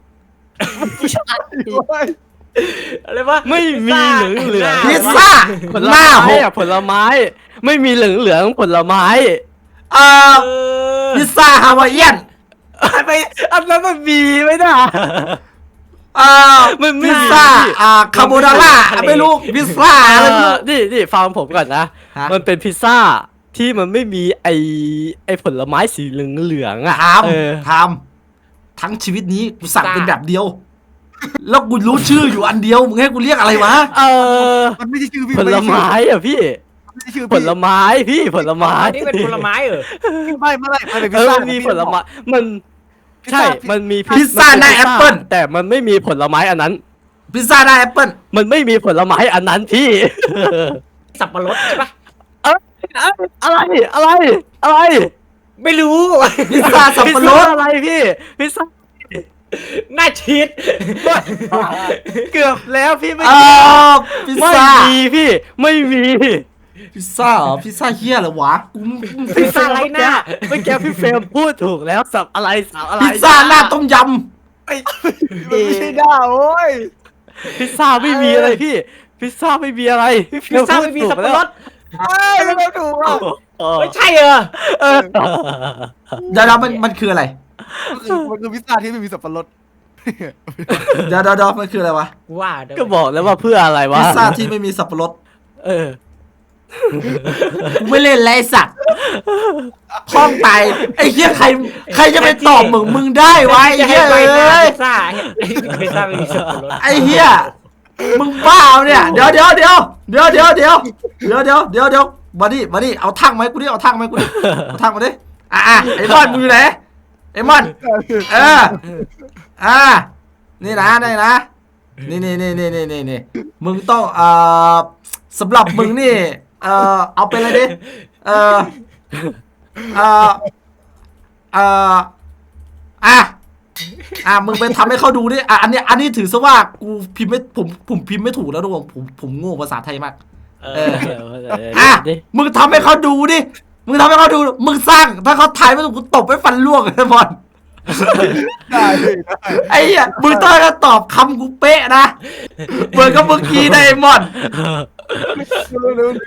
[SPEAKER 3] อะไรวะ
[SPEAKER 4] ไม่มีเหลืองเหลือง
[SPEAKER 2] พิซซ่า
[SPEAKER 4] ผล
[SPEAKER 2] หน้า
[SPEAKER 4] ไม้
[SPEAKER 2] หก
[SPEAKER 4] อะผลไม้ ไม่มีเหลืองเหลืองผลไม้
[SPEAKER 2] เอ่อ
[SPEAKER 3] เออ
[SPEAKER 2] พิซซ่าฮาวายเอียน
[SPEAKER 4] ไปอันนั้นมันมีไม่ได้
[SPEAKER 2] เอ่อ
[SPEAKER 4] มันไม่
[SPEAKER 2] พิซซ่าอ่าคาโบนาร่าไม่รู้พิซซ่า
[SPEAKER 4] เอ
[SPEAKER 2] อะไรไม่
[SPEAKER 4] อ
[SPEAKER 2] รู้
[SPEAKER 4] นี่นี่ฟังผมก่อนนะ
[SPEAKER 2] ฮะ
[SPEAKER 4] มันเป็นพิซซ่าที่มันไม่มีไอไอผลไม้สีเหลืองเหลืองๆอ่ะ
[SPEAKER 2] ท
[SPEAKER 4] เออ
[SPEAKER 2] ำทำทั้งชีวิตนี้กูสั่งเป็นแบบเดียว แล้วกูรู้ชื่ออยู่อันเดียวมึงให้กูเรียกอะไรวะ
[SPEAKER 4] เออ
[SPEAKER 1] มันไม่ใช่ชื่อพี่
[SPEAKER 4] ผลไม้อ่ะพี่
[SPEAKER 1] ไม่ใช่ชื่อ
[SPEAKER 4] ผลไม้พี่ผลไม้
[SPEAKER 3] อันนี้เป็นผลไม้เหรอ
[SPEAKER 1] ไม่ไม่ไม่มันเป็นพิ
[SPEAKER 4] เอ
[SPEAKER 1] ซ
[SPEAKER 4] อ
[SPEAKER 1] ซ่า
[SPEAKER 4] มันมีผลไม้มันใช่ มันมี
[SPEAKER 2] พิซซ่าหน้าแอปเปิ้ล
[SPEAKER 4] แต่มันไม่มีผลไม้อันนั้น
[SPEAKER 2] พิซซ่าหน้าแอปเปิ้ล
[SPEAKER 4] มันไม่มีผลไม้อันนั้นพี่
[SPEAKER 3] สับปะรดใช่ปะ
[SPEAKER 4] เอ้ยอะไรอะไรอะไร
[SPEAKER 3] ไม่รู้
[SPEAKER 2] พิซซ่าสับ
[SPEAKER 4] พิซ
[SPEAKER 2] ปะร
[SPEAKER 4] ซ่า
[SPEAKER 2] ด
[SPEAKER 4] อะไรพี่พิซซ่า
[SPEAKER 3] หน้าชีส
[SPEAKER 4] เกือบแล้วพี่ไม่
[SPEAKER 2] เอ่อพิซ
[SPEAKER 4] ไม่
[SPEAKER 2] ซ่า
[SPEAKER 4] มีพี่ไม่มี
[SPEAKER 2] พิซซ่าเหรอพิซซ่าเฮียเหรอวะกู
[SPEAKER 3] พิซซ่าไรหน้า
[SPEAKER 4] เมื่อกี้พี่เฟรมพูดถูกแล้วสับอะไรสับอะไร
[SPEAKER 2] พิซซ่าหน้าต้มย
[SPEAKER 1] มันไม่ใช่ด้าโอ้ย
[SPEAKER 4] พิซซ่าไม่มีอะไรพี่ พิซซ่าไม่มีอะไรพี่เฟร
[SPEAKER 3] พิซซ่าไม่มี
[SPEAKER 4] พูด
[SPEAKER 3] สับ
[SPEAKER 4] ถูก
[SPEAKER 3] ปะรด
[SPEAKER 1] เอ้ยไม่ถูกอ่ะ
[SPEAKER 4] เออ
[SPEAKER 3] ไม่ใช่เหรอ
[SPEAKER 4] เออ
[SPEAKER 2] ำเดี๋ยวๆมันมันคืออะไร
[SPEAKER 1] มันคือมันคือพิซซ่าที่ไม่มีสับปะรด
[SPEAKER 2] เดี๋ยวเดี๋ยวๆมันคืออะไรวะ
[SPEAKER 3] กูว่าเดี๋ยว
[SPEAKER 4] ก็บอกแล้วว่าเพื่ออะไรวะ
[SPEAKER 2] พิซซ่าที่ไม่มีสับปะรด
[SPEAKER 4] เออ
[SPEAKER 2] กูไม่เล่นไรสัตว์พ้องไปไอ้เหี้ยใครใครจะไปตอบมึงมึงได้วะไอ้
[SPEAKER 3] จะ
[SPEAKER 2] เหี้
[SPEAKER 3] ให้
[SPEAKER 2] ย
[SPEAKER 3] ใบ
[SPEAKER 2] เอ้
[SPEAKER 3] หน้าย พิซซ่าพิซซ่าไม่มีสับปะรด
[SPEAKER 2] ไอ้เหี้ยมึงบ้าเนี่ยเดี๋ยวเดี๋ยวเดี๋ยวเดี๋ยวเดี๋ยวเดี๋ยวเดี๋ยวเดี๋ยวเดี๋ยวเดี๋ยวมาดิมาดิเอาทั้งไหมกูดิเอาทั้งไหมกูดิเอาทั้งมาดิอ่ะอ่ะไอ้มอนมึงอยู่ไหนไอ้มอนเอออ่ะนี่นะนี่นะนี่นี่นี่นี่นี่นี่มึงต้องเอ่อสำหรับมึงนี่เอ่อเอาเป็นอะไรดิเอ่อเอ่อเอ่ออ่ะอ่ะมึงไปทำให้เขาดูดิอ่ะอันเนี้ยอันนี้ถือซะว่ากูพิมพ์ไม่ผมผมพิมพ์ไม่ถูกแล้วทุกคนผมผมโง่ภาษาไทยมาก
[SPEAKER 3] เอ
[SPEAKER 2] เอ
[SPEAKER 3] อ
[SPEAKER 2] อ อ่ะมึงทำให้เขาดูดิมึงทำให้เขาดูมึงสร้างถ้าเขาถ่ายไม่ถูกกูตบไปฟันล่วงเลยบอล
[SPEAKER 1] ได้พี่ได้
[SPEAKER 2] ไอ้เหี้ยมึงต้องจะตอบคำกูเป๊ะนะเหมือนกับเมื่อกี้ไดมอนด์
[SPEAKER 1] เร็ว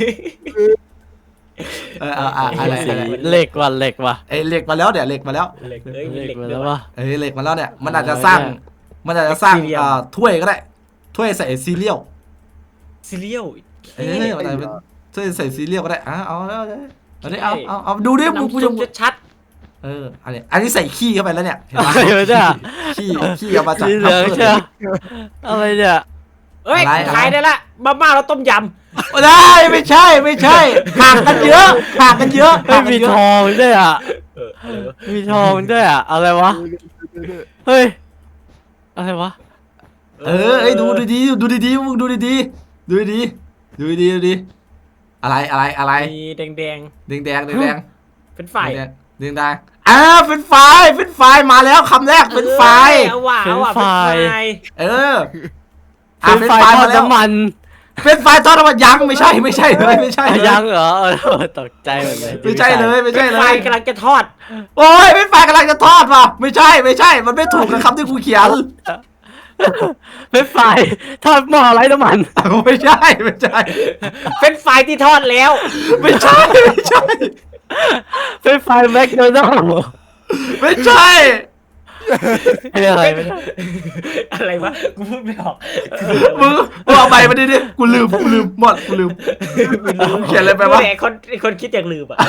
[SPEAKER 2] เออเอาอะอะไร
[SPEAKER 4] สี
[SPEAKER 2] อะไร
[SPEAKER 4] เหล็กว่ะเหล็กว่ะ
[SPEAKER 2] ไอ้เหล็กมาแล้วเดี๋ยวเหล็กมาแล้ว
[SPEAKER 3] เหล็กเอ้ยมี
[SPEAKER 4] เห
[SPEAKER 3] เห
[SPEAKER 4] ล็
[SPEAKER 3] ล็
[SPEAKER 4] ก
[SPEAKER 3] ก
[SPEAKER 4] มา
[SPEAKER 3] ด้
[SPEAKER 4] แล้ว
[SPEAKER 3] ยว
[SPEAKER 4] ว่ะ
[SPEAKER 2] เอ้ยเหล็กมาแล้วเนี่ยมันอาจจะสร้างมันอาจจะสร้างอ่าถ้วยก็ได้ถ้วยใส่ซีเรียล
[SPEAKER 3] ซีเรียล
[SPEAKER 2] เอ้ยอะไรเป็นถ้วยใส่ซีเรียลก็ได้อ่ะเอาแล้วเอาดิเอาเอาเอาดูดิมึงกู
[SPEAKER 3] น้ำ
[SPEAKER 2] จะ
[SPEAKER 3] ซุปชัด
[SPEAKER 2] เอออันนี้อันนี้ใส่ขี้เข้าไปแล้วเนี่ยเห็น
[SPEAKER 4] อะ
[SPEAKER 2] ไหม
[SPEAKER 4] ไรวะเนี่ย
[SPEAKER 2] ขี้ขี้เอามาจาก
[SPEAKER 4] สีเหลืองใช่ไหมอะไรเนี่ย
[SPEAKER 3] ๆเอ้ย
[SPEAKER 2] อะไร
[SPEAKER 3] ขายได้ละมาม่าแล้วต้มย
[SPEAKER 2] ได้ไม่ใช่ไม่ใช่ห่างกันเยอะห่างกันเยอะ
[SPEAKER 4] เฮ้
[SPEAKER 2] ห่าย งกั
[SPEAKER 4] มี
[SPEAKER 2] นเย
[SPEAKER 4] ท
[SPEAKER 2] อะ
[SPEAKER 4] องด้วยอ่ะ
[SPEAKER 3] ำเออเออ
[SPEAKER 4] มีทองด้วยอ่ะอะไรวะเฮ้ยอะไรวะ
[SPEAKER 2] เออเอ้ยดูดีๆดูดีๆมึงดูดีๆดูดีๆดูดีๆดูดีๆอะไรอะไรอะไร
[SPEAKER 3] มีแดง
[SPEAKER 2] แดงแดงแดงแดง
[SPEAKER 3] ๆเป็นฝ่าย
[SPEAKER 2] แดงแดงแดงอ่าเป็นไฟเป็นไฟมาแล้วคำแรกเป็นไฟ
[SPEAKER 3] เอาว่ะเอาว่ะเป็นฝ่าย
[SPEAKER 2] เอออ่ะ
[SPEAKER 4] เป็น
[SPEAKER 2] เป็น
[SPEAKER 4] ไฟ
[SPEAKER 2] ไฟ
[SPEAKER 4] ทอ
[SPEAKER 2] มา
[SPEAKER 4] ด
[SPEAKER 2] แล้ว
[SPEAKER 4] น้ำมัน
[SPEAKER 2] เป็นไฟทอดน้ำมันยังไม่ใช่ไม่ใช่เลยไม่ใช่เลย
[SPEAKER 4] ยังเหรอเออตกใจหมดเลย
[SPEAKER 2] ไม่ใช่เลยไม่
[SPEAKER 3] เป็
[SPEAKER 2] ใช่
[SPEAKER 3] น
[SPEAKER 2] เล
[SPEAKER 3] ฝ่าย
[SPEAKER 2] ย
[SPEAKER 3] กำลังจะทอด
[SPEAKER 2] โอ้ยเป็นไฟกำลังจะทอดว่ะไม่ใช่ไม่ใช่ มันไม่ถูกกับคำที่กูเขียน
[SPEAKER 4] เป็นไฟทอดหม้อไร้น้ำมัน
[SPEAKER 2] ไม่ใช่ไม่ใช่
[SPEAKER 3] เป็นฝ่ายที่ทอดแล้ว
[SPEAKER 2] ไม่ใช่ไม่ใช่
[SPEAKER 4] เป็นไฟแมคโดนัลด์
[SPEAKER 2] ไม่ใช่
[SPEAKER 4] เป็นอะไรไม่ได้
[SPEAKER 3] อะไรวะกูพูดไม่ออก
[SPEAKER 2] มึงมึงเอาไปมาดิดิกูลืมกูลืมหมดกูลืมเขียนอะไรไปวะ
[SPEAKER 3] ไอ้คนไอ้คนคิดอย่างลืมอ่ะ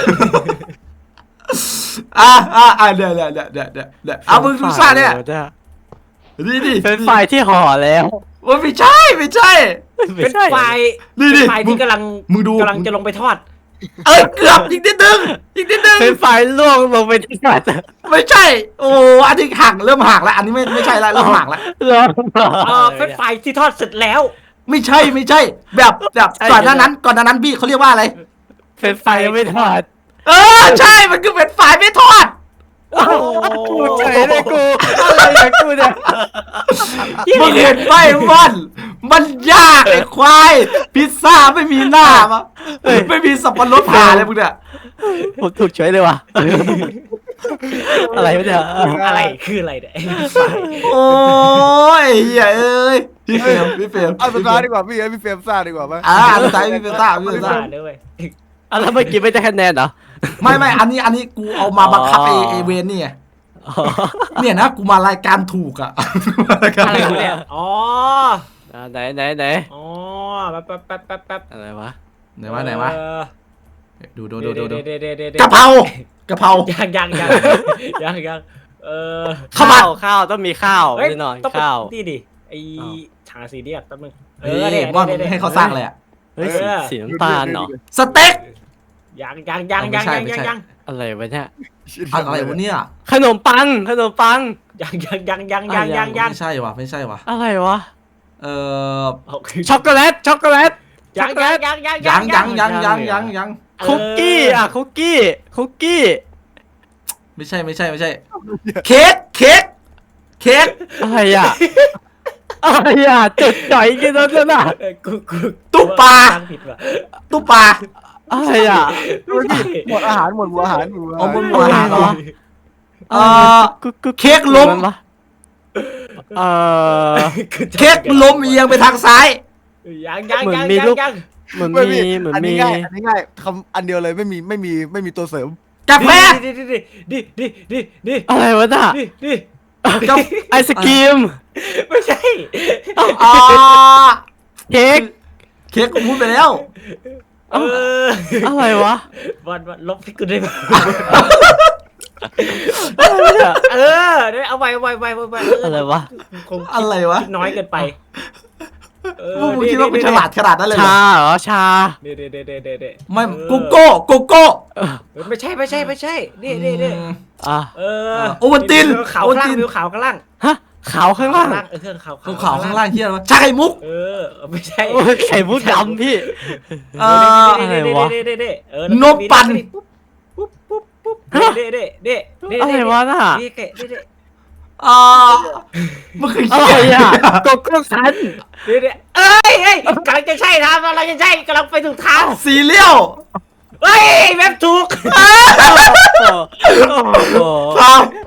[SPEAKER 2] อ่ะอ่ะอ่ะเดี๋ยวเดี๋ยวเดี๋ยวเดี๋ยวเดี๋ยวเดี๋ยวเอามึงดูซ่าเนี่ยดิดิ
[SPEAKER 4] เป็นไฟที่ห่อแล้ว
[SPEAKER 2] ว่าไม่ใช่ไม่ใช่
[SPEAKER 3] เป็นฝ่าย
[SPEAKER 2] นี่ดิ
[SPEAKER 3] เป็นฝ่าย
[SPEAKER 2] มึ
[SPEAKER 3] ที่
[SPEAKER 2] ง
[SPEAKER 3] กำลัง
[SPEAKER 2] มึงดู
[SPEAKER 3] กำลังจะลงไปทอด
[SPEAKER 2] เอ้ยเกือบอีกนิดนึงอีกนิดนึง
[SPEAKER 4] เป็นไฟล่วงลงไปที่กระจก
[SPEAKER 2] ไม่ใช่ โอ้อันนี้หักเริ่มหักแล้วอันนี้ไม่ไม่ใช่ละเริ่มหักแล้ว
[SPEAKER 4] ล่วง
[SPEAKER 3] เออเป็นฝ่ายที่ทอดเสร็จแล้ว
[SPEAKER 2] ไม่ใช่ไม่ใช่ แบบแบบก่อนหน้านั้นก่อนหน้านั้นพี่เขาเรียกว่าอะไร
[SPEAKER 4] เป็นไฟยังไม่ทอด
[SPEAKER 2] เออใช่มันคือเป็นฝ่ายไม่ทอด
[SPEAKER 3] โอ้โห
[SPEAKER 4] กูเฉยเลยกูอะไรอย่างกูเนี่ย
[SPEAKER 2] มึงเห็นไหมมันมันยากไอ้ควายพิซซ่าไม่มีหน้ามาไม่มีสับปะรดผ่าเลยมึงเนี่ย
[SPEAKER 4] ผมถูกเฉยเลยว่ะอะไรวะเนี่ย
[SPEAKER 3] อะไรคืออะไรเนี่ยไอ้ฝ่าย
[SPEAKER 2] โอ้ยเหี้ยเอ้ยพี่เฟรมพี่เฟรม
[SPEAKER 1] เอาสุดท้ายดีกว่าพี่ให้พี่เฟรมซ่าดีกว่าไหม
[SPEAKER 2] อ่าสุดท้ายพี่เฟรมซ่าพี่เฟรมซ่า
[SPEAKER 3] ฝ่ายด้วย
[SPEAKER 4] อ่ะแล้วเมื่อกี้ไม่ได้คะแนนเหรอ
[SPEAKER 2] ไม่ไม่อันนี้อันนี้กูเอามาบังคับไอเอเวนนี่ไง
[SPEAKER 4] อ๋อ
[SPEAKER 2] เนี่ยนะกูมารายการถูกอะ
[SPEAKER 3] อะไรวะเนี่ยอ๋อ
[SPEAKER 4] อ่ะไหนไหนไหน
[SPEAKER 3] อ๋อแป๊บแป๊บแป๊บแป๊บแป๊บ
[SPEAKER 4] อะไรวะ
[SPEAKER 2] ไหนวะไหนวะ
[SPEAKER 3] เออ
[SPEAKER 2] ดูดูดูดูดู
[SPEAKER 3] เดี๋ยวเดี๋ยวเดี๋ยวเดี๋ยว
[SPEAKER 2] กะเพรากะเพรา
[SPEAKER 3] ยังยังยังยังยังเออ
[SPEAKER 2] ข้าวผั
[SPEAKER 4] ข้า
[SPEAKER 2] ด
[SPEAKER 4] วข้าวต้องมีข้าว
[SPEAKER 3] เฮ้ย
[SPEAKER 4] แน่นอน
[SPEAKER 3] ต้อง
[SPEAKER 4] ข้าว
[SPEAKER 3] นี่ดิไอ
[SPEAKER 4] อ้าว
[SPEAKER 3] ชาซีเรียสแป๊บนึงเอ
[SPEAKER 2] เฮ้
[SPEAKER 3] อย เนี่ย
[SPEAKER 2] มอน
[SPEAKER 3] เนี่ยเนี่ย
[SPEAKER 2] ให้เขาสร้างเลยอะ
[SPEAKER 4] เฮ้ยสีสีน้ำตาลเหรอ
[SPEAKER 2] สเต็ก
[SPEAKER 3] ยังยังยังยัง
[SPEAKER 2] ไม่ใช่
[SPEAKER 3] ยัง
[SPEAKER 2] ไม่
[SPEAKER 3] ยัง
[SPEAKER 2] ใช่
[SPEAKER 3] ยัง
[SPEAKER 4] อะไรวะเนี่ย
[SPEAKER 2] อะไรวะเนี่ย
[SPEAKER 4] ขนมปังขนมปัง
[SPEAKER 3] ยังยังยังยังยังยังยัง
[SPEAKER 2] ไม่ใช่วะไม่ใช่วะ
[SPEAKER 4] อะไรวะ
[SPEAKER 2] เอ่อ
[SPEAKER 3] เอาคือ
[SPEAKER 4] ช็อกโกแลตช็อกโกแลต
[SPEAKER 3] ยังยังยังยัง
[SPEAKER 2] ยังยังยังยังยังยัง
[SPEAKER 4] คุกกี้อ่ะคุกกี้คุกกี้
[SPEAKER 2] ไม่ใช่ไม่ใช่ไม่ใช่ เค้กเค้กเค้ก
[SPEAKER 4] อะไรอ่ะอะไรอ่ะจุดจ่อยกินแล้วน่ะ
[SPEAKER 3] เออกูกู
[SPEAKER 2] ตุ๊ปลา
[SPEAKER 3] ตั้งผิดว่ะ
[SPEAKER 2] ตุ๊ปลา
[SPEAKER 4] อะไรอ่ะ
[SPEAKER 1] หมดอาหารหมดหัวอาหารหมดหัว
[SPEAKER 2] เอา
[SPEAKER 1] อา
[SPEAKER 2] บ
[SPEAKER 1] หาร
[SPEAKER 2] นหัวอาหารเหรอ เอ่อ
[SPEAKER 4] กุ๊กกุ๊ก
[SPEAKER 2] เค้กล้ม
[SPEAKER 4] นวะเอ่อ
[SPEAKER 2] เค้กล้มเอียงไปทางซ้าย
[SPEAKER 3] ยังยัง
[SPEAKER 4] เหมือน
[SPEAKER 3] ยัง
[SPEAKER 4] มี
[SPEAKER 3] ยัง
[SPEAKER 4] ลูก
[SPEAKER 3] ยัง
[SPEAKER 4] เหมือน
[SPEAKER 1] ไม่
[SPEAKER 4] มีเหมือน
[SPEAKER 1] อัน
[SPEAKER 4] มี
[SPEAKER 1] นี้ง่ายอันนี้ง่ายคำอันเดียวเลยไม่มีไม่มีไม่มีตัวเสริม
[SPEAKER 2] กาแฟ
[SPEAKER 3] ดิดิดิดิดิดิดิ
[SPEAKER 4] อะไรวะน่ะ
[SPEAKER 3] ดิดิ
[SPEAKER 2] กับ
[SPEAKER 4] ไอศกรีม
[SPEAKER 3] ไม่ใช่
[SPEAKER 2] อ่า
[SPEAKER 4] เค้ก
[SPEAKER 2] เค้กกูพูดไปแล้ว
[SPEAKER 3] เออ
[SPEAKER 4] อะไรวะ
[SPEAKER 3] วันวันลบที่กูได้มา
[SPEAKER 4] อะไรวะเนี่ย
[SPEAKER 3] เออเดี๋ยวเอาไว้ไว้ไว้ไว้ไว้เ
[SPEAKER 4] อะไรวะ
[SPEAKER 3] คง
[SPEAKER 2] อะไรวะ
[SPEAKER 3] คิดน้อยเกินไปเออ
[SPEAKER 2] พวกมึงคิดว่ากูฉลาดขนาดนั้นเลยเหร
[SPEAKER 4] ชา
[SPEAKER 2] อ
[SPEAKER 4] เหรอชา
[SPEAKER 3] เดี๋ยวเดี๋ยวเดี๋ยวเดี๋ยวเดี๋ยวเดี๋ยว
[SPEAKER 2] ไม่
[SPEAKER 3] เออ
[SPEAKER 2] โกโก้โกโก้
[SPEAKER 4] เออ
[SPEAKER 3] เออไม่ใช่ไม่ใช่ไม่ใช่นี่นี่นี่
[SPEAKER 2] อืม
[SPEAKER 4] อ่ะ
[SPEAKER 3] เออ
[SPEAKER 2] โอวัลติน
[SPEAKER 3] ขาว
[SPEAKER 2] โอวัล
[SPEAKER 3] ข้าง
[SPEAKER 2] ติน
[SPEAKER 3] ล่างวิวขาวข้างล่าง
[SPEAKER 4] ฮะขาวข้างล่าง
[SPEAKER 3] เออเครื่องขาว
[SPEAKER 2] ขาวขาวข้างล่างเฮียอะไรวะชาไข่มุก
[SPEAKER 3] เออไม่ใช่
[SPEAKER 4] โอ้ยไข่มุกดำพี่
[SPEAKER 2] เอ่อ
[SPEAKER 4] อะไรวะ
[SPEAKER 3] เด้เด้เด้เออน
[SPEAKER 2] มปั่น
[SPEAKER 3] ปุ๊บปุ๊บปุ๊บ
[SPEAKER 4] ฮะ
[SPEAKER 3] เด้เด้เด้เด้
[SPEAKER 4] อะไรวะน่ะ
[SPEAKER 3] เด้เด้เด้เด้
[SPEAKER 2] อ่ามันคือ
[SPEAKER 4] อะ
[SPEAKER 2] เฮี
[SPEAKER 4] ไร
[SPEAKER 2] ย
[SPEAKER 4] อ่ะโกโก้คัน
[SPEAKER 3] เด้เด้เอ้ยเอ้ยกำลังจะใช่ทางกำลังจะใช่กำลังไปถูกทาง
[SPEAKER 2] ซีเรียล
[SPEAKER 3] เฮ้ยแม่ถูก
[SPEAKER 4] โอ้โห
[SPEAKER 2] ครับ
[SPEAKER 3] ถ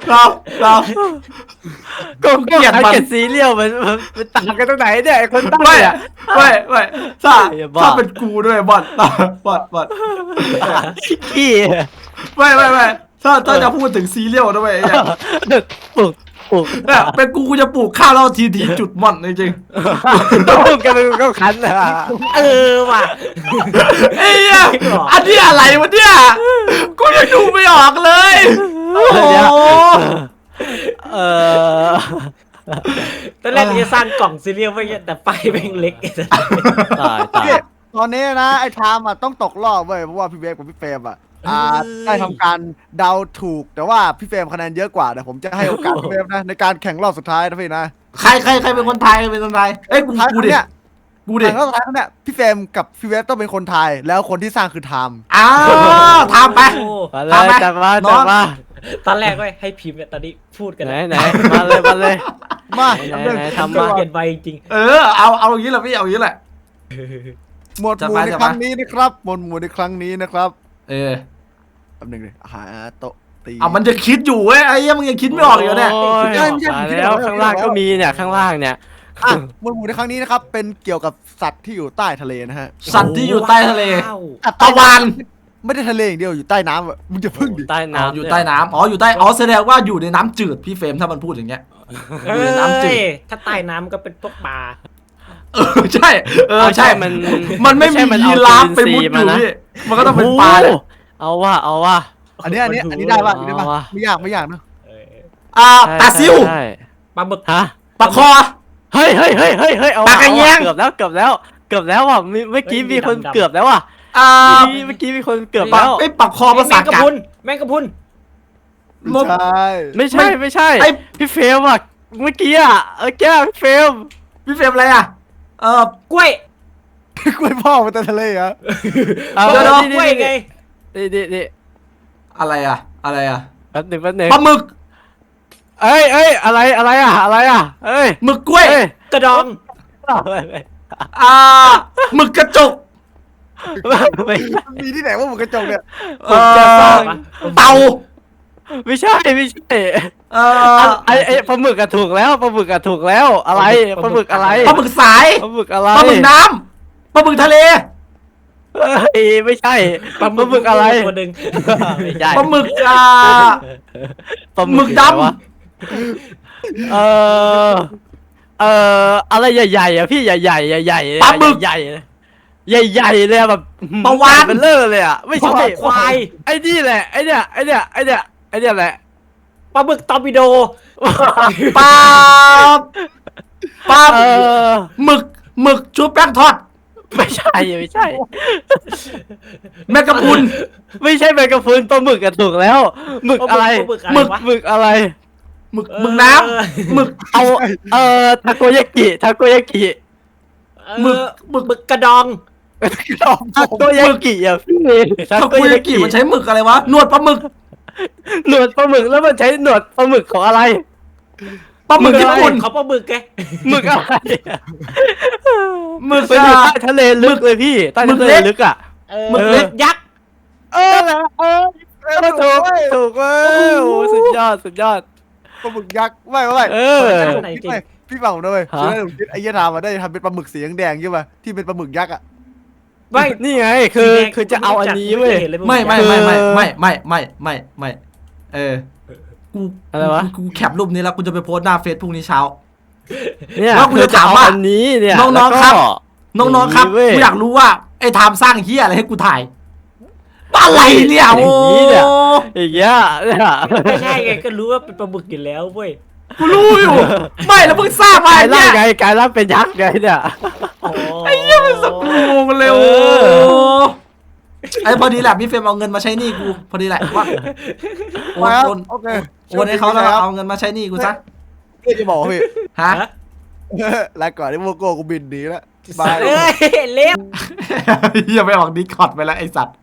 [SPEAKER 2] เราเรา
[SPEAKER 4] ก็
[SPEAKER 2] เกลียดมัน
[SPEAKER 4] เกลียดซีเรียลมันมันมันต่างกันตรงไหนเนี่ยไอ้คนตั้ง
[SPEAKER 2] ไม่
[SPEAKER 4] เนี่ย
[SPEAKER 2] ไม่ไม่ถ้า
[SPEAKER 4] อย่าบ้า
[SPEAKER 2] ถ้าเป็นกูด้วยบอลบอลบอล
[SPEAKER 4] ขี้
[SPEAKER 2] ไม่ไม่ไม่ถ้าถ้าจะพูดถึงซีเรียลนะเว้ยไอ้เนี่ย
[SPEAKER 4] ปลุกปลุก
[SPEAKER 2] เนี่ยเป็นกูกูจะปลูกข้าวแล้วทีทีจุดม่อนจริง
[SPEAKER 4] ปลุกกันเป็นก็คันอ่ะ
[SPEAKER 3] เออว่ะ
[SPEAKER 2] ๆไอ้เหี้ยอันนี้อะไรวะเนี่ยกูยังดูไม่ออกเลยโอ้โห
[SPEAKER 4] เออ
[SPEAKER 3] ตอนแรกกูจะสร้างกล่องซีเรียลไว้เงี้ยแต่ไฟแม่งเล็กไอ้สัส
[SPEAKER 4] ตายตาย
[SPEAKER 1] พี่ตอนนี้นะไอ้ไทม์อ่ะต้องตกรอบเว้ยเพราะว่าพี่เบฟกับพี่เฟรมอ่ะอ่าได้ทำการเดาถูกแต่ว่าพี่เฟรมคะแนนเยอะกว่าแต่ผมจะให้โอกาสพี่เฟรมนะในการแข่งรอบสุดท้ายนะพี่นะ
[SPEAKER 2] ใครใครใครเป็นคนไทยเป็นคนไทยเอ้ยกู
[SPEAKER 1] ท้าย
[SPEAKER 2] กูดิ
[SPEAKER 1] เนี่ย
[SPEAKER 2] กูดิ
[SPEAKER 1] แข่งรอบสุดท้ายเนี่ยพี่เฟรมกับพี่เวฟต้องเป็นคนไทยแล้วคนที่สร้างคือไทม์
[SPEAKER 2] อ้าวทำไป
[SPEAKER 3] โอ้
[SPEAKER 4] มาเล
[SPEAKER 2] เอา
[SPEAKER 4] ย
[SPEAKER 2] ไหม
[SPEAKER 4] จับมา
[SPEAKER 2] น้
[SPEAKER 4] จั
[SPEAKER 2] อบ ง
[SPEAKER 4] มา
[SPEAKER 3] ตอนแรกก็ให้พิมพ์เนี่ยตอนนี้พูดกัน
[SPEAKER 4] ไหน
[SPEAKER 3] แล้ว
[SPEAKER 4] ไหนมาเลยมาเลย
[SPEAKER 1] มา
[SPEAKER 4] ไหน
[SPEAKER 1] เรื่อง
[SPEAKER 4] ไหน
[SPEAKER 1] ทำ
[SPEAKER 4] ทำมา
[SPEAKER 1] มา
[SPEAKER 3] เปลี่ยนใบจริง
[SPEAKER 2] เออเอาเอาอย่างนี้แหละพี่เอาอย่างนี้แหละ
[SPEAKER 1] หมวดห
[SPEAKER 2] จัด
[SPEAKER 1] มู่
[SPEAKER 2] มา
[SPEAKER 1] ใน
[SPEAKER 2] จัด
[SPEAKER 1] ค
[SPEAKER 2] มา
[SPEAKER 1] รั้งนี้นะครับหมวดหมู่ในครั้งนี้นะครับ
[SPEAKER 2] เออ
[SPEAKER 1] แป๊บหนึงเลยหาโต๊ะตี
[SPEAKER 2] เอามันจะคิดอยู่เว้ยไอ้เหี้ยังมึงยังคิดไม่ออกอยู่เนี่ย
[SPEAKER 4] โอ้ยมาแล้วข้างล่างก็มีเนี่ยข้างล่างเนี่ย
[SPEAKER 1] อ่ะหมวดหมู่ในครั้งนี้นะครับเป็นเกี่ยวกับสัตว์ที่อยู่ใต้ทะเลนะฮะ
[SPEAKER 2] สัตว์ที่อยู่ใต้ทะเล
[SPEAKER 3] ว้าว
[SPEAKER 1] สัตว์
[SPEAKER 2] ตะ
[SPEAKER 1] ใต้
[SPEAKER 2] วัน
[SPEAKER 1] ไม่ได้ทะเลอย่างเดียวอยู่ใต้น้ำอ่ะมึงจะพึ่งดิ
[SPEAKER 4] ใต้
[SPEAKER 2] อ๋อ
[SPEAKER 4] น้ำ
[SPEAKER 2] อยู่ใต้น้ำอ๋ออยู่ใต้อ๋อแสดงว่าอยู่ในน้ำจืดพี่เฟรมถ้ามันพูดอย่างเงี้ย
[SPEAKER 3] เอ้
[SPEAKER 2] อยู่ในน้ำจืด
[SPEAKER 3] ยถ้าใต้น้ำก็เป็นพวกปลา
[SPEAKER 2] เออใช่เออ
[SPEAKER 4] เอา
[SPEAKER 2] ใช่
[SPEAKER 4] มัน
[SPEAKER 2] มันไม่มี
[SPEAKER 4] ใช่น
[SPEAKER 2] ยี
[SPEAKER 4] เอ
[SPEAKER 2] ราฟ
[SPEAKER 4] จุ
[SPEAKER 2] ไป
[SPEAKER 4] ลินท
[SPEAKER 2] มุด
[SPEAKER 4] รีย์
[SPEAKER 2] อยู่
[SPEAKER 4] มานะ
[SPEAKER 2] พี่มันก็ต้องเป็นปลาแหละ
[SPEAKER 4] โอ้เอาว่าเอาว่า
[SPEAKER 1] อันนี้อันนี้อันนี้ได้ป่ะอันนี้ได้ป่ะ
[SPEAKER 4] เอาว่ะ
[SPEAKER 1] ไม่ยากไม่ยากนะ
[SPEAKER 3] เออ
[SPEAKER 2] อ่าปลาซิว
[SPEAKER 4] ใช่
[SPEAKER 3] ปลาหมึก
[SPEAKER 4] ฮะ
[SPEAKER 2] ปลาคอ
[SPEAKER 4] เฮ้ยเฮ้ยเฮ้ยเฮ้ยเฮ้ยเอา
[SPEAKER 2] ปากกระ
[SPEAKER 4] เอา
[SPEAKER 2] เงี้ยง
[SPEAKER 4] เกือบแล้วเกือบแล้วเกือบแล้วอ่ะมีเมื่อกี้มีคนเกือบแล้วอ่ะ
[SPEAKER 2] อ่า
[SPEAKER 4] เมื่อกี้มีคนเกือบ
[SPEAKER 2] ปลา
[SPEAKER 4] แล้ว
[SPEAKER 2] ไอ้ปลาคอภา
[SPEAKER 3] แม
[SPEAKER 2] ษาง
[SPEAKER 3] กะ
[SPEAKER 2] กัด
[SPEAKER 3] พรุนแมงกะพรุน
[SPEAKER 1] ไม่ใช่
[SPEAKER 4] ไม่ใช่ไม่ใช่
[SPEAKER 2] ไอ้
[SPEAKER 4] พี่เฟรมอ่ะเมื่อกี้อ่ะเออแก้พี่เฟรม
[SPEAKER 2] พี่เฟรมอะไรอ่ะเออก
[SPEAKER 3] ล้วย
[SPEAKER 1] กล้วยพ่อมาแต่ทะเลเหรอ
[SPEAKER 4] เอา
[SPEAKER 3] เดี๋ยว
[SPEAKER 4] นี่
[SPEAKER 3] กล้วยไง
[SPEAKER 4] นี่นี่นี่
[SPEAKER 2] อะไรอ่ะอะไรอ่ะ
[SPEAKER 4] แป๊บหนึ่งแป๊บหนึ่ง
[SPEAKER 2] ปลาหมึก
[SPEAKER 4] เอ้ยเอ้ยอะไรอะไรอ่ะอะไรอ่ะเอ้ย
[SPEAKER 2] หมึกกล้วย
[SPEAKER 4] เอ้ย
[SPEAKER 3] กระดอง
[SPEAKER 2] อ่าหมึกกระจก
[SPEAKER 4] ไม่
[SPEAKER 1] มีที่ไหนว่าหมูกระจกเนี่ย
[SPEAKER 2] เอ
[SPEAKER 4] จะสร้าง
[SPEAKER 2] อเต่า
[SPEAKER 4] ไม่ใช่ไม่ใช่
[SPEAKER 2] เออ
[SPEAKER 4] ไอ้ไอ้ปลาหมึกอะถูกแล้วปลาหมึกอะถูกแล้วอะไรปลาหมึกอะไร
[SPEAKER 2] ปลาหมึกสาย
[SPEAKER 4] ปลาหมึกอะไร
[SPEAKER 2] ปลาหมึกน้ำปลาหมึกทะเล
[SPEAKER 4] เอ้ยไม่ใช่ปลาหมึกอะไร
[SPEAKER 3] ตัวหนึ่ง
[SPEAKER 4] ไม่ใช่
[SPEAKER 2] ปลาหมึกอ่า
[SPEAKER 4] ปลา
[SPEAKER 2] หมึกดำ
[SPEAKER 4] อยู่ไหนวะเออเอออะไรใหญ่ๆอ่ะพี่ใหญ่ๆใหญ่ๆ
[SPEAKER 2] ปลาหมึก
[SPEAKER 4] ใหญ่ๆใหญ่ๆเลยอะแบบ
[SPEAKER 2] ปลาวาฬ
[SPEAKER 4] เป็นเลอเลยอ่ะไม่ใช่
[SPEAKER 3] ควาย
[SPEAKER 4] ไอ้นี่แหละไอ้เนี่ยไอ้เนี่ยไอ้เนี่ยไอ้เนี่ยแหละ
[SPEAKER 3] ปลาหมึกตอร์ปิโด
[SPEAKER 2] ปลาปลา
[SPEAKER 4] เออ
[SPEAKER 2] หมึกหมึกชุบแป้งทอด
[SPEAKER 4] ไม่ใช่ไม่ใช่
[SPEAKER 2] แมงกะพรุน
[SPEAKER 4] ไม่ใช่แมงกะพรุนปลาหมึกอะถูกแล้วหมึกอะไร
[SPEAKER 3] ปลาหมึกอะไร
[SPEAKER 2] หมึก
[SPEAKER 3] วะ
[SPEAKER 4] หมึกอะไร
[SPEAKER 2] หมึกหมึกน้ำหมึก
[SPEAKER 4] เอาเอ่อทาโกยากิทาโกยากิ
[SPEAKER 2] หมึก
[SPEAKER 3] หมึกหมึกกระดอง
[SPEAKER 4] ทาโกยากิอ่ะพี่
[SPEAKER 2] ทาโกยากิมันใช้หมึกอะไรวะหนวดปลาหมึก
[SPEAKER 4] หนวดปลาหมึกแล้วมันใช้หนวดปลาหมึกของอะไร
[SPEAKER 2] ปลาหมึกญี่ปุ่น
[SPEAKER 3] เขาปลาหมึกไง
[SPEAKER 4] หมึกอะไร
[SPEAKER 2] หมึก
[SPEAKER 4] มันอยู่
[SPEAKER 2] อ่ะ
[SPEAKER 4] ใต้ทะเลลึกเลยพี่ใต้
[SPEAKER 2] หมึ
[SPEAKER 4] ทะ
[SPEAKER 2] ก
[SPEAKER 4] เล
[SPEAKER 2] เล็ก
[SPEAKER 4] ลึกอ่ะ
[SPEAKER 3] เออ
[SPEAKER 2] หมึกเล็ก
[SPEAKER 3] ยักษ์
[SPEAKER 4] เออเออเออถูกถูกเว้ยโอ้สุดยอดสุดยอด
[SPEAKER 1] ปลาหมึกยักษ์ไม่ไม่
[SPEAKER 4] เออ
[SPEAKER 1] ไม่ไม่พี่ฟังผมด้วย
[SPEAKER 4] ฮะ
[SPEAKER 1] คือได้ผมคิดไอ้เหี้ยทามมาได้ทำเป็นปลาหมึกสีแดงๆใช่ป่ะที่เป็นปลาหมึกยักษ์อ่ะ
[SPEAKER 3] ไม่
[SPEAKER 4] นี่ไงคือคือจะเอาอันนี้เว้ย
[SPEAKER 2] ไม่ไม่ไม่ไม่ไม่ไม่ไม่ไม่ไม่เออกู
[SPEAKER 4] อะไรวะ
[SPEAKER 2] กูแคปรูปนี้แล้วกูจะไปโพสต์หน้าเฟซพรุ่งนี้เช้า
[SPEAKER 4] เนี่ย
[SPEAKER 2] ว่ากู
[SPEAKER 4] คือ
[SPEAKER 2] จะ
[SPEAKER 4] จะ
[SPEAKER 2] ถาม
[SPEAKER 4] เอา
[SPEAKER 2] ว่า
[SPEAKER 4] อันนี้เนี่ย
[SPEAKER 2] น้องๆ
[SPEAKER 4] แล้วก็
[SPEAKER 2] ครับ น้องๆครับ
[SPEAKER 4] เว้ย
[SPEAKER 2] กูอยากรู้ว่าไอ้ไทม์สร้างเฮียอะไรให้กูถ่ายอะไรเนี่ย
[SPEAKER 4] อ
[SPEAKER 2] โอ้
[SPEAKER 4] ย่างนี้เนี่ย อย่างเงี้ยเนี่ย
[SPEAKER 3] ไม่ง่ายไงก็รู้ว่าเป็นปลาหมึกอยู่แล้วเว้ย
[SPEAKER 2] กูรู้อยู่ ไม่แล้วมึงสร้างมาก
[SPEAKER 4] ลาย
[SPEAKER 2] เนี่
[SPEAKER 4] ร่าง
[SPEAKER 2] ย
[SPEAKER 4] ไงกลายร่างเป็นยักษ์ไงเนี่ย
[SPEAKER 3] ไอ้เหี้ยมันสก
[SPEAKER 2] งงเลยโอ้
[SPEAKER 4] เออ
[SPEAKER 2] ไอ้พอดีแหละพี่เฟรมเอาเงินมาใช้หนี้กูพอดีแหละว่าโอน
[SPEAKER 1] มาครับ
[SPEAKER 2] โอน
[SPEAKER 1] โอเค
[SPEAKER 2] โอนให้เขาแล้ว
[SPEAKER 1] ครับ
[SPEAKER 2] เอาเงินมาใช้หนี้กูซะ
[SPEAKER 1] เพื่อจะบอกว่าพี่
[SPEAKER 2] ฮะ
[SPEAKER 1] ลาก่อนที่โมโก้กูบินหนีแล้วบาย
[SPEAKER 3] เอ้ยเล็บ
[SPEAKER 2] อย่าไปออกดิสคอร์ดไปแล้วไอ้สัตว์